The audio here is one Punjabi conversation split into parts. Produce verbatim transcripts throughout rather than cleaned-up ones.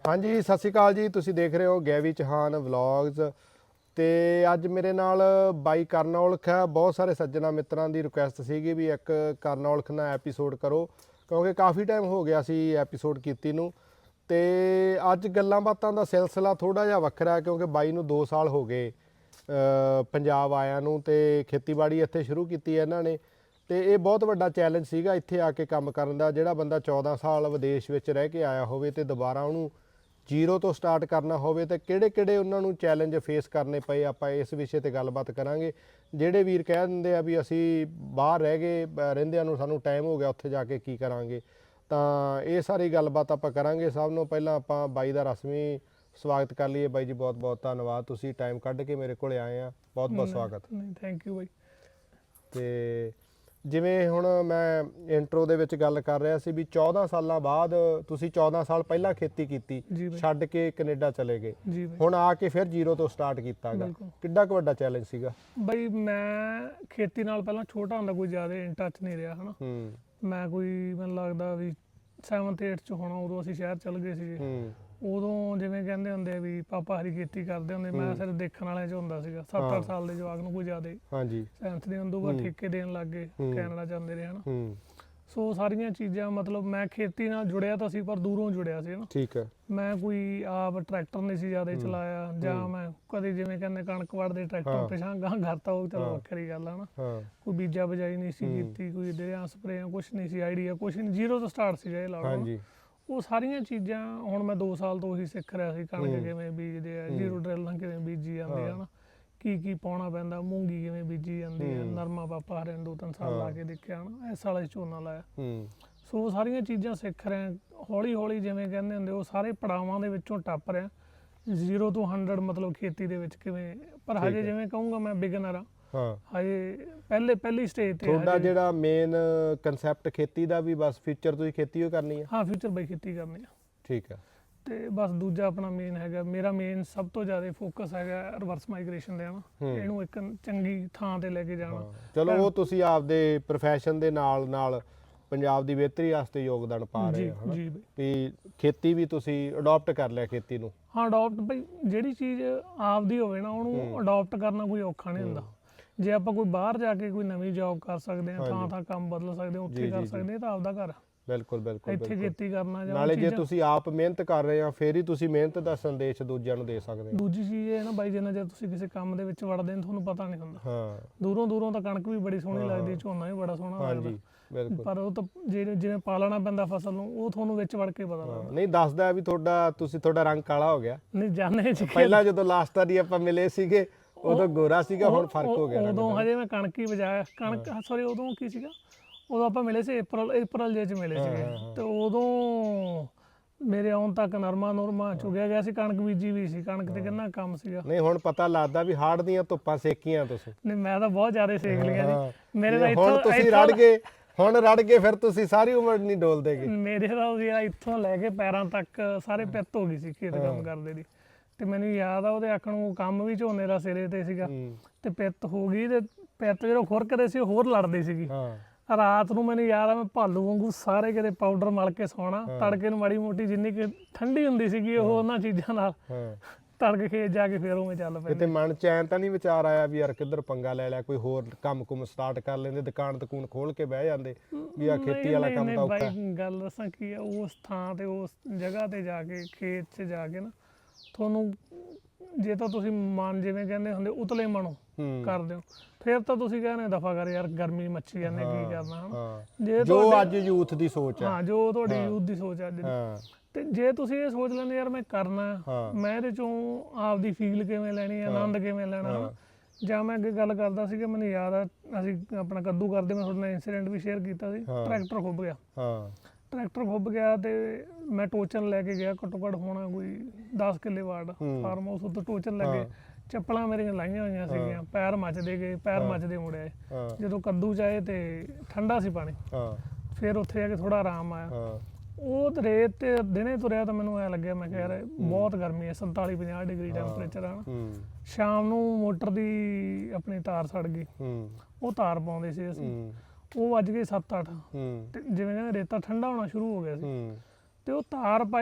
हाँ जी सत श्री अकाल जी, तुसी देख रहे हो गैवी चौहान व्लॉग्स। तो अज मेरे नाल बाई करन औलख है। बहुत सारे सज्जना मित्रां की रिक्वेस्ट सी भी एक करन औलख ना एपीसोड करो, क्योंकि काफ़ी टाइम हो गया सी एपीसोड कीती नूं। ते अज गल्लां बातां दा सिलसिला थोड़ा जिहा वखरा है, क्योंकि बाई नूं दो साल हो गए पंजाब आया नूं ते खेतीबाड़ी इत्थे शुरू कीती है इन्हां ने। ਤੇ ਇਹ ਬਹੁਤ ਵੱਡਾ ਚੈਲੰਜ ਸੀਗਾ ਇੱਥੇ ਆ ਕੇ ਕੰਮ ਕਰਨ ਦਾ। ਜਿਹੜਾ ਬੰਦਾ ਚੌਦਾਂ ਸਾਲ ਵਿਦੇਸ਼ ਵਿੱਚ ਰਹਿ ਕੇ ਆਇਆ ਹੋਵੇ ਤੇ ਦੁਬਾਰਾ ਉਹਨੂੰ ਜ਼ੀਰੋ ਤੋਂ ਸਟਾਰਟ ਕਰਨਾ ਹੋਵੇ ਤੇ ਕਿਹੜੇ ਕਿਹੜੇ ਉਹਨਾਂ ਨੂੰ ਚੈਲੰਜ ਫੇਸ ਕਰਨੇ ਪਏ, ਆਪਾਂ ਇਸ ਵਿਸ਼ੇ ਤੇ ਗੱਲਬਾਤ ਕਰਾਂਗੇ। ਜਿਹੜੇ ਵੀਰ ਕਹਿ ਦਿੰਦੇ ਆ ਵੀ ਅਸੀਂ ਬਾਹਰ ਰਹਿ ਗਏ ਰਹਿੰਦਿਆਂ ਨੂੰ ਸਾਨੂੰ ਟਾਈਮ ਹੋ ਗਿਆ, ਉੱਥੇ ਜਾ ਕੇ ਕੀ ਕਰਾਂਗੇ, ਤਾਂ ਇਹ ਸਾਰੀ ਗੱਲਬਾਤ ਆਪਾਂ ਕਰਾਂਗੇ। ਸਭ ਨੂੰ ਪਹਿਲਾਂ ਆਪਾਂ ਬਾਈ ਦਾ ਰਸਮੀ ਸਵਾਗਤ ਕਰ ਲਈਏ। ਬਾਈ ਜੀ ਬਹੁਤ ਬਹੁਤ ਧੰਨਵਾਦ, ਤੁਸੀਂ ਟਾਈਮ ਕੱਢ ਕੇ ਮੇਰੇ ਕੋਲ ਆਏ ਆ, ਬਹੁਤ ਬਹੁਤ ਸਵਾਗਤ। ਥੈਂਕ ਯੂ ਬਾਈ। ਤੇ ਜਿਵੇਂ ਹੁਣ ਮੈਂ ਇੰਟਰੋ ਦੇ ਵਿੱਚ ਗੱਲ ਕਰ ਰਿਹਾ ਸੀ ਵੀ ਚੌਦਾਂ ਸਾਲਾਂ ਬਾਅਦ ਤੁਸੀਂ ਚੌਦਾਂ ਸਾਲ ਪਹਿਲਾਂ ਖੇਤੀ ਕੀਤੀ, ਛੱਡ ਕੇ ਕੈਨੇਡਾ ਚਲੇ ਗਏ, ਹੁਣ ਆ ਕੇ ਫਿਰ ਜ਼ੀਰੋ ਤੋਂ ਸਟਾਰਟ ਕੀਤਾ ਗਾ। ਕਿੱਡਾ ਕੁ ਵੱਡਾ ਚੈਲੰਜ ਸੀਗਾ ਬਈ? ਮੈਂ ਖੇਤੀ ਨਾਲ ਪਹਿਲਾਂ ਛੋਟਾ ਹੁੰਦਾ ਕੋਈ ਜ਼ਿਆਦਾ ਇਨ ਟੱਚ ਨਹੀਂ ਰਿਹਾ ਹਨਾ। ਮੈਂ ਕੋਈ ਮੈਨੂੰ ਲੱਗਦਾ ਵੀ ਸੈਵਨਥ ਏਟਥ ਚ ਹੋਣਾ, ਉਦੋਂ ਅਸੀਂ ਸ਼ਹਿਰ ਚਲ ਗਏ ਸੀਗੇ। ਉਦੋਂ ਜਿਵੇਂ ਕਹਿੰਦੇ ਹੁੰਦੇ ਵੀ ਪਾਪਾ ਹਰੀ ਖੇਤੀ ਕਰਦੇ ਹੁੰਦੇ, ਮੈਂ ਸਿਰਫ ਦੇਖਣ ਵਾਲਿਆਂ ਚ ਹੁੰਦਾ ਸੀਗਾ। ਸੱਤ ਅੱਠ ਸਾਲ ਦੇ ਜਵਾਕ ਨੂੰ ਕੋਈ ਜ਼ਿਆਦਾ ਹਾਂਜੀ ਸੈਵਨਥ ਦੇ ਉਦੋਂ ਬਾਅਦ ਠੇਕੇ ਦੇਣ ਲੱਗ ਗਏ, ਕੈਨੇਡਾ ਜਾਂਦੇ ਰਹੇ ਹਨਾ। ਸੋ ਸਾਰੀਆਂ ਚੀਜ਼ਾਂ ਮਤਲਬ ਮੈਂ ਖੇਤੀ ਨਾਲ ਜੁੜਿਆ ਤਾਂ ਸੀ, ਪਰ ਦੂਰੋਂ ਜੁੜਿਆ ਸੀ ਨਾ। ਠੀਕ ਹੈ। ਮੈਂ ਕੋਈ ਆਪ ਟਰੈਕਟਰ ਨਹੀਂ ਸੀ ਜ਼ਿਆਦਾ ਚਲਾਇਆ, ਜਾਂ ਮੈਂ ਕਦੇ ਜਿਵੇਂ ਕਹਿੰਦੇ ਕਣਕ ਵੜਦੇ ਟਰੈਕਟਰ ਪਿਛਾਂ ਗਾਂ ਘਰ ਤਾਂ ਉਹ ਚਲੋ ਵੱਖਰੀ ਗੱਲ ਆ ਨਾ। ਕੋਈ ਬੀਜਾ ਬਜਾਈ ਨਹੀਂ ਸੀ ਕੀਤੀ, ਕੋਈ ਦਰਿਆ ਸਪਰੇਆਂ ਕੁਛ ਨਹੀਂ ਸੀ, ਆਈਡੀਆ ਕੁਛ ਨਹੀਂ, ਜ਼ੀਰੋ ਤੋਂ ਸਟਾਰਟ ਸੀ ਇਹ ਲਾ ਲਓ। ਉਹ ਸਾਰੀਆਂ ਚੀਜ਼ਾਂ ਹੁਣ ਮੈਂ ਦੋ ਸਾਲ ਤੋਂ ਉਹੀ ਸਿੱਖ ਰਿਹਾ ਸੀ। ਕਣਕ ਕਿਵੇਂ ਬੀਜਦੇ ਆ, ਜ਼ੀਰੋ ਡਰਿਲ ਨਾਲ ਕਿਵੇਂ ਬੀਜੀ ਜਾਂਦੀ ਆ ਨਾ, ਕੀ ਕੀ ਪਾਉਣਾ ਪੈਂਦਾ, ਮੂੰਗੀ ਕਿਵੇਂ ਬੀਜੀ ਜਾਂਦੀ ਆ, ਨਰਮਾ ਪਾਪਾ ਹਰੇ ਦੋ ਤਿੰਨ ਸਾਲ ਲਾ ਕੇ ਦੇਖਿਆ ਨਾ, ਇਸ ਸਾਲ ਝੋਨਾ ਲਾਇਆ। ਸੋ ਸਾਰੀਆਂ ਚੀਜ਼ਾਂ ਸਿੱਖ ਰਿਹਾ ਹੌਲੀ ਹੌਲੀ, ਜਿਵੇਂ ਕਹਿੰਦੇ ਹੁੰਦੇ ਉਹ ਸਾਰੇ ਪੜਾਵਾਂ ਦੇ ਵਿੱਚੋਂ ਟੱਪ ਰਿਹਾ। ਜ਼ੀਰੋ ਤੋਂ ਹੰਡਰਡ ਮਤਲਬ ਖੇਤੀ ਦੇ ਵਿੱਚ ਕਿਵੇਂ, ਪਰ ਹਜੇ ਜਿਵੇਂ ਕਹੂੰਗਾ ਮੈਂ ਬਿਗਨਰ ਆ ਹਜੇ, ਪਹਿਲੇ ਪਹਿਲੀ ਸਟੇਜ ਤੇ। ਤੁਹਾਡਾ ਜਿਹੜਾ ਮੇਨ ਕਨਸੈਪਟ ਖੇਤੀ ਦਾ ਵੀ ਬਸ ਫਿਊਚਰ ਤੁਸੀਂ ਖੇਤੀ ਹੀ ਕਰਨੀ ਹੈ? ਹਾਂ ਫਿਊਚਰ ਬਈ ਖੇਤੀ ਕਰਨੀ ਆ। ਠੀਕ ਹੈ। ਤੇ ਬਸ ਦੂਜਾ ਆਪਣਾ ਮੇਨ ਹੈਗਾ, ਮੇਰਾ ਮੇਨ ਸਭ ਤੋਂ ਜ਼ਿਆਦਾ ਫੋਕਸ ਹੈਗਾ ਰਿਵਰਸ ਮਾਈਗ੍ਰੇਸ਼ਨ ਦੇ ਨਾ, ਇਹਨੂੰ ਇੱਕ ਚੰਗੀ ਥਾਂ ਤੇ ਲੈ ਕੇ ਜਾਣਾ। ਚਲੋ ਉਹ ਤੁਸੀਂ ਆਪਦੇ ਪ੍ਰੋਫੈਸ਼ਨ ਦੇ ਨਾਲ ਨਾਲ ਪੰਜਾਬ ਦੀ ਬਿਹਤਰੀ ਵਾਸਤੇ ਯੋਗਦਾਨ ਪਾ ਰਹੇ ਹੋ ਜੀ ਬਈ। ਵੀ ਖੇਤੀ ਵੀ ਤੁਸੀਂ ਅਡਾਪਟ ਕਰ ਲਿਆ ਖੇਤੀ ਨੂੰ? ਹਾਂ ਅਡਾਪਟ ਬਈ, ਜਿਹੜੀ ਚੀਜ਼ ਆਪਦੀ ਹੋਵੇ ਨਾ ਉਹਨੂੰ ਅਡਾਪਟ ਕਰਨਾ ਕੋਈ ਔਖਾ ਨਹੀਂ ਹੁੰਦਾ। ਜੇ ਆਪਾਂ ਕੋਈ ਬਾਹਰ ਜਾ ਕੇ ਕੋਈ ਨਵੀਂ ਜੌਬ ਕਰ ਸਕਦੇ ਹਾਂ, ਥਾਂ ਥਾਂ ਕੰਮ ਬਦਲ ਸਕਦੇ ਹਾਂ, ਉੱਥੇ ਕਰ ਸਕਦੇ ਹਾਂ, ਤਾਂ ਆਪਦਾ ਘਰ। ਬਿਲਕੁਲ ਬਿਲਕੁਲ। ਇੱਥੇ ਖੇਤੀ ਕਰਨਾ ਜਾਂ ਨਾਲੇ ਜੇ ਤੁਸੀਂ ਆਪ ਮਿਹਨਤ ਕਰ ਰਹੇ ਆ ਫੇਰ ਹੀ ਤੁਸੀਂ ਮਿਹਨਤ ਦਾ ਸੰਦੇਸ਼ ਦੂਜਿਆਂ ਨੂੰ ਦੇ ਸਕਦੇ ਹੋ। ਦੂਜੀ ਚੀਜ਼ ਇਹ ਨਾ ਬਾਈ, ਜਿੰਨਾ ਜੇ ਤੁਸੀਂ ਕਿਸੇ ਕੰਮ ਦੇ ਵਿੱਚ ਵੜਦੇ ਹੋ ਤੁਹਾਨੂੰ ਪਤਾ ਨਹੀਂ ਹੁੰਦਾ। ਹਾਂ ਦੂਰੋਂ ਦੂਰੋਂ ਤਾਂ ਕਣਕ ਵੀ ਬੜੀ ਸੋਹਣੀ ਲੱਗਦੀ, ਝੋਨਾ ਵੀ ਬੜਾ ਸੋਹਣਾ ਲੱਗਦਾ, ਪਰ ਉਹ ਤਾਂ ਜਿਹੜੇ ਜਿਵੇਂ ਪਾਲਣਾ ਪੈਂਦਾ ਫਸਲ ਨੂੰ, ਉਹ ਤੁਹਾਨੂੰ ਵਿੱਚ ਵੜ ਕੇ ਪਤਾ ਲੱਗਦਾ। ਨਹੀਂ ਦੱਸਦਾ ਵੀ ਤੁਹਾਡਾ ਤੁਸੀਂ ਤੁਹਾਡਾ ਰੰਗ ਕਾਲਾ ਹੋ ਗਿਆ? ਨਹੀਂ ਜਾਣੇ ਪਹਿਲਾਂ ਜਦੋਂ ਲਾਸਟ ਵਾਰੀ ਆਪਾਂ ਮਿਲੇ ਸੀਗੇ ਉਦੋਂ ਗੋਰਾ ਸੀਗਾ, ਹੁਣ ਫਰਕ ਹੋ ਗਿਆ। ਉਦੋਂ ਹਜੇ ਮੈਂ ਕਣਕ ਹੀ ਵਜਾਇਆ, ਕਣਕ ਸੌਰੀ ਉਦੋਂ ਕੀ ਸੀਗਾ, ਉਦੋਂ ਆਪਾਂ ਮਿਲੇ ਸੀ ਅਪ੍ਰੈਲ ਅਪ੍ਰੈਲ ਜੇ ਚ ਮਿਲੇ ਸੀਗੇ। ਤੇ ਉਦੋਂ ਮੇਰੇ ਆਉਣ ਤੱਕ ਨਰਮਾ ਨੁਰਮਾ ਚੁਗਿਆ ਗਿਆ ਸੀ, ਕਣਕ ਬੀਜੀ ਵੀ ਸੀ, ਕਣਕ ਤੇ ਕਿੰਨਾ ਕੰਮ ਸੀਗਾ। ਨਹੀਂ ਹੁਣ ਪਤਾ ਲੱਗਦਾ ਵੀ ਹਾੜ ਦੀਆਂ ਧੁੱਪਾਂ ਸੇਕੀਆਂ ਤੁਸੀਂ? ਨਹੀਂ ਮੈਂ ਤਾਂ ਬਹੁਤ ਜ਼ਿਆਦਾ ਸੇਕ ਲਈਆਂ ਸੀ। ਮੇਰੇ ਤਾਂ ਇੱਥੋਂ ਤੁਸੀਂ ਰੜ ਗਏ, ਹੁਣ ਰੜ ਗਏ ਫਿਰ ਤੁਸੀਂ ਸਾਰੀ ਉਮਰ ਨਹੀਂ ਡੋਲਦੇਗੇ। ਮੇਰੇ ਤਾਂ ਇੱਥੋਂ ਲੈ ਕੇ ਪੈਰਾਂ ਤੱਕ ਸਾਰੇ ਪਿੱਤ ਹੋ ਗਈ ਸੀ ਖੇਤ ਕੰਮ ਕਰਦੇ ਦੀ। ਤੇ ਮੈਨੂੰ ਯਾਦ ਆ ਉਹਦੇ ਆਖਣ ਨੂੰ ਕੰਮ ਵੀ ਝੋਨੇ ਦਾ ਸਿਰੇ ਤੇ ਸੀਗਾ, ਤੇ ਪਿੱਤ ਹੋ ਗਈ, ਤੇ ਪਿੱਤ ਜਦੋਂ ਖੁਰਕਦੇ ਸੀ ਹੋਰ ਲੜਦੀ ਸੀਗੀ। ਰਾਤ ਨੂੰ ਮੈਨੂੰ ਯਾਦ ਆ ਮੈਂ ਭਾਲੂ ਵਾਂਗੂ ਸਾਰੇ ਕਿਤੇ ਪਾਊਡਰ ਮਲ ਕੇ ਸੌਣਾ, ਤੜਕੇ ਨੂੰ ਮਾੜੀ ਮੋਟੀ ਜਿੰਨੀ ਕਿ ਠੰਡੀ ਹੁੰਦੀ ਸੀਗੀ ਉਹ ਉਹਨਾਂ ਚੀਜ਼ਾਂ ਨਾਲ ਤੜਕੇ ਖੇਤ ਜਾ ਕੇ ਫੇਰ ਉਵੇਂ ਚੱਲ ਪਏ। ਕਿਤੇ ਮਨ ਚ ਐਂ ਤਾਂ ਨਹੀਂ ਵਿਚਾਰ ਆਇਆ ਵੀ ਯਾਰ ਕਿੱਧਰ ਪੰਗਾ ਲੈ ਲਿਆ, ਕੋਈ ਹੋਰ ਕੰਮ ਕੁਮ ਸਟਾਰਟ ਕਰ ਲੈਂਦੇ, ਦੁਕਾਨ ਦਕੂਨ ਖੋਲ ਕੇ ਬਹਿ ਜਾਂਦੇ ਵੀ ਆ ਖੇਤੀ ਵਾਲਾ ਕੰਮ ਤਾਂ ਔਖਾ? ਗੱਲ ਦੱਸਾਂ ਕੀ ਆ, ਉਸ ਥਾਂ ਤੇ ਉਸ ਜਗ੍ਹਾ ਤੇ ਜਾ ਕੇ ਖੇਤ 'ਚ ਜਾ ਕੇ ਨਾ, ਤੁਹਾਨੂੰ ਜੇ ਤਾਂ ਤੁਸੀਂ ਮਨ ਜਿਵੇਂ ਕਹਿੰਦੇ ਹੁੰਦੇ ਉਤਲੇ ਮਨੋਂ ਕਰਦੇ ਹੋ, ਫਿਰ ਤਾਂ ਤੁਸੀਂ ਕਹਿੰਦੇ ਦਫਾ ਕਰ ਯਾਰ ਗਰਮੀ ਮੱਛੀ ਜਾਂਦੇ ਕੀ ਕਰਨਾ ਹਨਾ। ਜੇ ਜੋ ਅੱਜ ਯੂਥ ਦੀ ਸੋਚ ਹੈ, ਹਾਂ ਜੋ ਤੁਹਾਡੀ ਯੂਥ ਦੀ ਸੋਚ ਅੱਜ ਦੀ, ਤੇ ਜੇ ਤੁਸੀਂ ਇਹ ਸੋਚ ਲੈਂਦੇ ਯਾਰ ਮੈਂ ਕਰਨਾ, ਮੈਂ ਇਹਦੇ ਚੋਂ ਆਪਦੀ ਫੀਲ ਕਿਵੇਂ ਲੈਣੀ, ਆਨੰਦ ਕਿਵੇਂ ਲੈਣਾ। ਜਾਂ ਮੈਂ ਅੱਗੇ ਗੱਲ ਕਰਦਾ ਸੀਗਾ, ਮੈਨੂੰ ਯਾਦ ਆ ਅਸੀਂ ਆਪਣਾ ਕੱਦੂ ਕਰਦੇ, ਮੈਂ ਤੁਹਾਡੇ ਨਾਲ ਇੰਸੀਡੈਂਟ ਵੀ ਸ਼ੇਅਰ ਕੀਤਾ ਸੀ। ਟਰੈਕਟਰ ਖੁੱਭ ਗਿਆ, ਟਰੈਕਟਰ ਖੁੱਭ ਗਿਆ ਤੇ ਮੈਂ ਟੋਚਨ ਲੈ ਕੇ ਗਿਆ, ਘੱਟੋ ਘੱਟ ਹੋਣਾ ਕੋਈ ਦਸ ਕਿੱਲੇ ਵਾਰਡ ਫਾਰਮ ਹਾਊਸ, ਉੱਤੇ ਟੋਚਨ ਲੱਗੇ, ਚੱਪਲਾਂ ਮੇਰੀਆਂ ਲਾਈਆਂ ਹੋਈਆਂ ਸੀਗੀਆਂ, ਪੈਰ ਮੱਚਦੇ ਗਏ, ਪੈਰ ਮੱਚਦੇ ਮੁੜਿਆ। ਜਦੋਂ ਕੱਦੂ ਚ ਆਏ ਤੇ ਠੰਡਾ ਸੀ ਪਾਣੀ, ਫਿਰ ਉੱਥੇ ਜਾ ਕੇ ਥੋੜਾ ਆਰਾਮ ਆਇਆ। ਉਹ ਰੇਤ ਤੇ ਦਿਨੇ ਤੁਰਿਆ ਤਾਂ ਮੈਨੂੰ ਐ ਲੱਗਿਆ, ਮੈਂ ਕਿਹਾ ਯਾਰ ਬਹੁਤ ਗਰਮੀ ਹੈ, ਸੰਤਾਲੀ ਪੰਜਾਹ ਡਿਗਰੀ ਟੈਂਪਰੇਚਰ ਆ ਨਾ। ਸ਼ਾਮ ਨੂੰ ਮੋਟਰ ਦੀ ਆਪਣੀ ਤਾਰ ਸੜ ਗਈ, ਉਹ ਤਾਰ ਪਾਉਂਦੇ ਸੀ ਅਸੀਂ, ਉਹ ਵੱਜ ਗਏ ਸੱਤ ਅੱਠ, ਤੇ ਜਿਵੇਂ ਕਹਿੰਦੇ ਰੇਤਾ ਠੰਡਾ ਹੋਣਾ ਸ਼ੁਰੂ ਹੋ ਗਿਆ ਸੀ, ਤੇ ਉਹ ਤਾਰ ਪਾਈ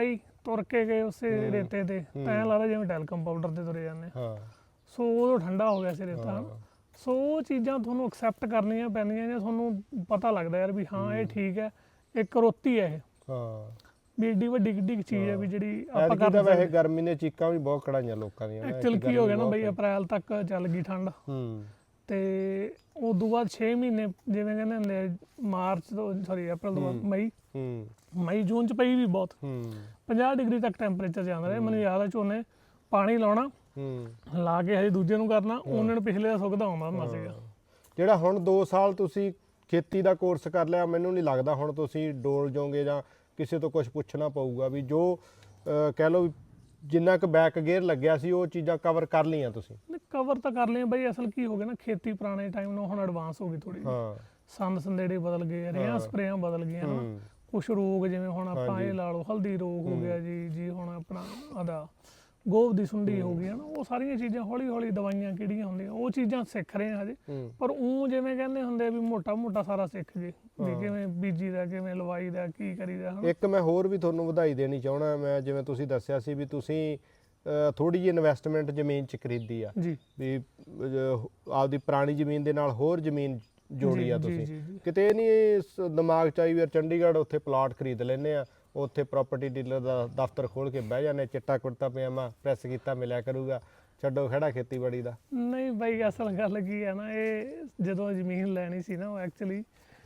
ਤੁਰ ਕੇ ਗਏ ਉਸੇ ਰੇਤੇ ਤੇ ਤਾਂ ਐਂ ਲੱਗਦਾ ਜਿਵੇਂ ਟੈਲਕਮ ਪਾਊਡਰ ਤੇ ਤੁਰੇ ਜਾਂਦੇ ਹਾਂ ਸੋ ਉਦੋਂ ਠੰਡਾ ਹੋ ਗਿਆ ਸੀ ਰੇਤਾ ਹਨਾ। ਸੋ ਉਹ ਚੀਜ਼ਾਂ ਤੁਹਾਨੂੰ ਐਕਸੈਪਟ ਕਰਨੀਆਂ ਪੈਂਦੀਆਂ ਨੇ, ਤੁਹਾਨੂੰ ਪਤਾ ਲੱਗਦਾ ਯਾਰ ਵੀ ਹਾਂ ਇਹ ਠੀਕ ਹੈ, ਇੱਕ ਰੋਤੀ ਹੈ ਇਹ ਹਾਂ ਵੀ ਏਡੀ ਵੱਡੀ ਕਿੱਡੀ ਚੀਜ਼ ਹੈ ਵੀ ਜਿਹੜੀ ਆਪਾਂ ਐਤਕੀ ਕਰ ਤਾਂ ਵੈਸੇ ਗਰਮੀ ਨੇ ਚੀਕਾਂ ਵੀ ਬਹੁਤ ਕਢਾਈਆਂ ਲੋਕਾਂ ਦੀਆਂ ਨਾ। ਐਕਚੁਅਲ ਕੀ ਹੋ ਗਿਆ ਨਾ ਬਈ, ਅਪ੍ਰੈਲ ਤੱਕ ਚੱਲ ਗਈ ਠੰਡ ਹੂੰ ਤੇ ਉਦੋਂ ਬਾਅਦ ਛੇ ਮਹੀਨੇ ਜਿਵੇਂ ਕਹਿੰਦੇ ਹੁੰਦੇ ਆ, ਮਾਰਚ ਤੋਂ ਸੌਰੀ ਅਪ੍ਰੈਲ ਤੋਂ ਬਾਅਦ ਮਈ ਹੂੰ ਮਈ ਜੂਨ ਚ ਪਈ ਵੀ ਬਹੁਤ ਹੂੰ ਪੰਜਾਹ ਡਿਗਰੀ ਤੱਕ ਟੈਂਪਰੇਚਰ ਜਾਂਦਾ ਰਿਹਾ। ਮੈਨੂੰ ਯਾਦ ਆ ਝੋਨੇ ਪਾਣੀ ਲਾਉਣਾ ਹੂੰ ਲਾ ਕੇ ਹਜੇ ਦੂਜੇ ਨੂੰ ਕਰਨਾ, ਉਹਨਾਂ ਨੂੰ ਪਿਛਲੇ ਦਾ ਸੁੱਕਦਾ ਆਉਂਦਾ ਹੁੰਦਾ ਸੀਗਾ। ਜਿਹੜਾ ਹੁਣ ਦੋ ਸਾਲ ਤੁਸੀਂ ਖੇਤੀ ਦਾ ਕੋਰਸ ਕਰ ਲਿਆ, ਮੈਨੂੰ ਨਹੀਂ ਲੱਗਦਾ ਹੁਣ ਤੁਸੀਂ ਡੋਲ ਜਾਓਗੇ ਜਾਂ ਕਿਸੇ ਤੋਂ ਕੁਝ ਪੁੱਛਣਾ ਪਊਗਾ ਵੀ ਜੋ ਅਹ, ਕਹਿ ਲਓ ਵੀ ਜਿੰਨਾ ਕੁ ਬੈਕ ਗੇਅਰ ਲੱਗਿਆ ਸੀ ਉਹ ਚੀਜ਼ਾਂ ਕਵਰ ਕਰ ਲਈਆਂ ਤੁਸੀਂ। ਕਵਰ ਤਾਂ ਕਰ ਲਿਆ ਬਈ, ਅਸਲ ਕੀ ਹੋ ਗਿਆ ਨਾ ਖੇਤੀ ਪੁਰਾਣੇ ਟਾਈਮ ਨਾਲੋਂ ਹੁਣ ਐਡਵਾਂਸ ਹੋ ਗਈ ਥੋੜੀ। ਹਾਂ ਸੰਦ ਸੰਦੇੜੇ ਬਦਲ ਗਏ, ਰੇਹਾਂ ਸਪਰੇਆਂ ਬਦਲ ਗਈਆਂ ਹਨਾ। ਕੁਛ ਰੋਗ ਜਿਵੇਂ ਹੁਣ ਆਪਾਂ ਇਹ ਲਾ ਲਓ ਹਲਦੀ ਰੋਗ ਹੋ ਗਿਆ ਜੀ ਜੀ ਹੁਣ ਆਪਣਾ ਆਦਾ ਗੋਭ ਦੀ ਸੁੰਡੀ ਹੋ ਗਈ ਹਨਾ। ਉਹ ਸਾਰੀਆਂ ਚੀਜ਼ਾਂ ਹੌਲੀ ਹੌਲੀ ਦਵਾਈਆਂ ਕਿਹੜੀਆਂ ਹੁੰਦੀਆਂ ਉਹ ਚੀਜ਼ਾਂ ਸਿੱਖ ਰਹੇ ਆ ਹਜੇ। ਪਰ ਉਹ ਜਿਵੇਂ ਕਹਿੰਦੇ ਹੁੰਦੇ ਵੀ ਮੋਟਾ ਮੋਟਾ ਸਾਰਾ ਸਿੱਖ ਜੇ ਵੀ ਕਿਵੇਂ ਬੀਜੀ ਦਾ, ਕਿਵੇਂ ਲਵਾਈ ਦਾ, ਕੀ ਕਰੀਦਾ ਹਨਾ। ਇੱਕ ਮੈਂ ਹੋਰ ਵੀ ਤੁਹਾਨੂੰ ਵਧਾਈ ਦੇਣੀ ਚਾਹਣਾ, ਮੈਂ ਜਿਵੇਂ ਤੁਸੀਂ ਦੱਸਿਆ ਸੀ ਵੀ ਤੁਸੀਂ ਥੋੜੀ ਜਿਹੀ ਇਨਵੈਸਟਮੈਂਟ ਜ਼ਮੀਨ 'ਚ ਖਰੀਦੀ ਆ ਜੀ ਵੀ ਅਹ, ਆਪਦੀ ਪੁਰਾਣੀ ਜ਼ਮੀਨ ਦੇ ਨਾਲ ਹੋਰ ਜ਼ਮੀਨ ਜੋੜੀ ਆ ਜੀ, ਤੁਸੀਂ। ਜੀ, ਜੀ। ਕਿਤੇ ਨਹੀਂ ਦਿਮਾਗ 'ਚ ਆਈ ਵੀ ਯਾਰ ਚੰਡੀਗੜ੍ਹ ਉੱਥੇ ਪਲਾਟ ਖਰੀਦ ਲੈਂਦੇ ਆ, ਉੱਥੇ ਪ੍ਰਾਪਰਟੀ ਡੀਲਰ ਦਾ ਦਫ਼ਤਰ ਖੋਲ ਕੇ ਬਹਿ ਜਾਂਦੇ, ਚਿੱਟਾ ਕੁੜਤਾ ਪਜਾਮਾ ਪ੍ਰੈਸ ਕੀਤਾ ਮਿਲਿਆ ਕਰੂਗਾ, ਛੱਡੋ ਖੜਾ ਖੇਤੀਬਾੜੀ ਦਾ। ਨਹੀਂ ਬਾਈ ਅਸਲ ਗੱਲ ਕੀ ਹੈ ਨਾ, ਇਹ ਜਦੋਂ ਜ਼ਮੀਨ ਲੈਣੀ ਸੀ ਨਾ ਉਹ ਐਕਚੁਅਲੀ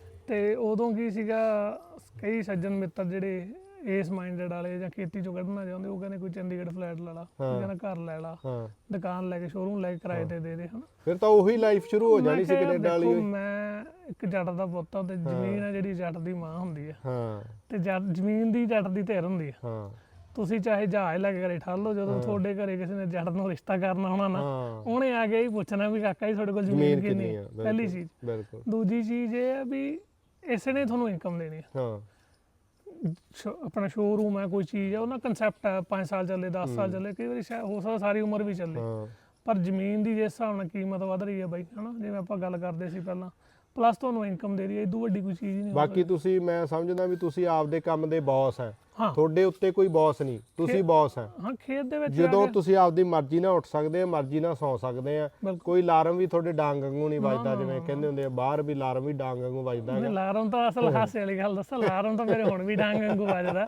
ਤੇ ਉਦੋਂ ਕੀ ਸੀਗਾ, ਕਈ ਸੱਜਣ ਮਿੱਤਰ ਜਿਹੜੇ ਇਸ ਮਾਈਂਡਡ ਵਾਲੇ ਜਾਂ ਖੇਤੀ ਚੋਂ ਕੱਢਣਾ ਚਾਹੁੰਦੇ ਉਹ ਕਹਿੰਦੇ ਕੋਈ ਚੰਡੀਗੜ੍ਹ ਫਲੈਟ ਲੈ ਲਾ, ਕੋਈ ਕਹਿੰਦਾ ਘਰ ਲੈ ਲਾ, ਦੁਕਾਨ ਲੈ ਕੇ ਸ਼ੋਰੂਮ ਲੈ ਕੇ ਕਿਰਾਏ ਤੇ ਦੇ ਦੇ ਹਨਾ। ਫਿਰ ਤਾਂ ਉਹੀ ਲਾਈਫ ਸ਼ੁਰੂ ਹੋ ਜਾਣੀ ਸੀ ਕੈਨੇਡਾ ਵਾਲੀ। ਦੇਖੋ ਮੈਂ ਇੱਕ ਜੱਟ ਦਾ ਪੁੱਤ ਆ ਤੇ ਜ਼ਮੀਨ ਆ ਜਿਹੜੀ ਜੱਟ ਦੀ ਮਾਂ ਹੁੰਦੀ ਆ ਹਾਂ ਤੇ ਜੱਟ ਜ਼ਮੀਨ ਦੀ ਜੱਟ ਦੀ ਧਿਰ ਹੁੰਦੀ ਆ। ਹਾਂ ਤੁਸੀਂ ਚਾਹੇ ਜਹਾਜ਼ ਲੈ ਕੇ ਘਰੇ ਠਾਲ ਲਓ, ਜਦੋਂ ਤੁਹਾਡੇ ਘਰੇ ਕਿਸੇ ਨੇ ਜੱਟ ਨੂੰ ਰਿਸ਼ਤਾ ਕਰਨਾ ਹੋਣਾ ਨਾ ਉਹਨੇ ਆ ਕੇ ਹੀ ਪੁੱਛਣਾ ਵੀ ਕਾਕਾ ਜੀ ਤੁਹਾਡੇ ਕੋਲ ਜ਼ਮੀਨ ਕਿੰਨੀ ਹੈ, ਪਹਿਲੀ ਚੀਜ਼। ਬਿਲਕੁਲ। ਦੂਜੀ ਚੀਜ਼ ਇਹ ਆ ਵੀ ਇਸੇ ਨੇ ਤੁਹਾਨੂੰ ਇਨਕਮ ਦੇਣੀ ਆ। ਹਾਂ ਆਪਣਾ ਸ਼ੋਰੂਮ ਹੈ ਕੋਈ ਚੀਜ਼ ਹੈ, ਉਹਨਾਂ ਕਨਸੈਪਟ ਹੈ ਪੰਜ ਸਾਲ ਚੱਲੇ ਦਸ ਸਾਲ ਚੱਲੇ, ਕਈ ਵਾਰੀ ਸ਼ਾਇਦ ਹੋ ਸਕਦਾ ਸਾਰੀ ਉਮਰ ਵੀ ਚੱਲੇ। ਪਰ ਜ਼ਮੀਨ ਦੀ ਜਿਸ ਹਿਸਾਬ ਨਾਲ ਕੀਮਤ ਵੱਧ ਰਹੀ ਹੈ ਬਾਈ ਹਨਾ, ਜਿਵੇਂ ਆਪਾਂ ਗੱਲ ਕਰਦੇ ਸੀ ਪਹਿਲਾਂ, ਪਲੱਸ ਤੁਹਾਨੂੰ ਇਨਕਮ ਦੇ ਰਹੀ ਹੈ, ਇਦੋਂ ਵੱਡੀ ਕੋਈ ਚੀਜ਼ ਨਹੀਂ। ਬਾਕੀ ਤੁਸੀਂ ਮੈਂ ਸਮਝਦਾ ਵੀ ਤੁਸੀਂ ਆਪਦੇ ਕੰਮ ਦੇ ਬੌਸ ਹੈ, ਹਾਂ ਤੁਹਾਡੇ ਉੱਤੇ ਕੋਈ ਬੌਸ ਨਹੀਂ, ਤੁਸੀਂ ਬੌਸ ਹੈ। ਹਾਂ ਖੇਤ ਦੇ ਵਿੱਚ ਜਦੋਂ ਤੁਸੀਂ ਆਪਦੀ ਮਰਜ਼ੀ ਨਾਲ ਉੱਠ ਸਕਦੇ ਆ, ਮਰਜ਼ੀ ਨਾਲ ਸੌਂ ਸਕਦੇ ਆ, ਕੋਈ ਅਲਾਰਮ ਵੀ ਤੁਹਾਡੇ ਡਾਂਗ ਵਾਂਗੂ ਨਹੀਂ ਵੱਜਦਾ, ਜਿਵੇਂ ਕਹਿੰਦੇ ਹੁੰਦੇ ਆ ਬਾਹਰ ਵੀ ਅਲਾਰਮ ਵੀ ਡਾਂਗ ਵਾਂਗੂ ਵੱਜਦਾ ਹੈ। ਅਲਾਰਮ ਤਾਂ ਅਸਲ ਹਾਸੇ ਵਾਲੀ ਗੱਲ ਦੱਸਾਂ, ਅਲਾਰਮ ਤਾਂ ਮੇਰੇ ਹੁਣ ਵੀ ਡਾਂਗ ਵਾਂਗੂ ਵੱਜਦਾ।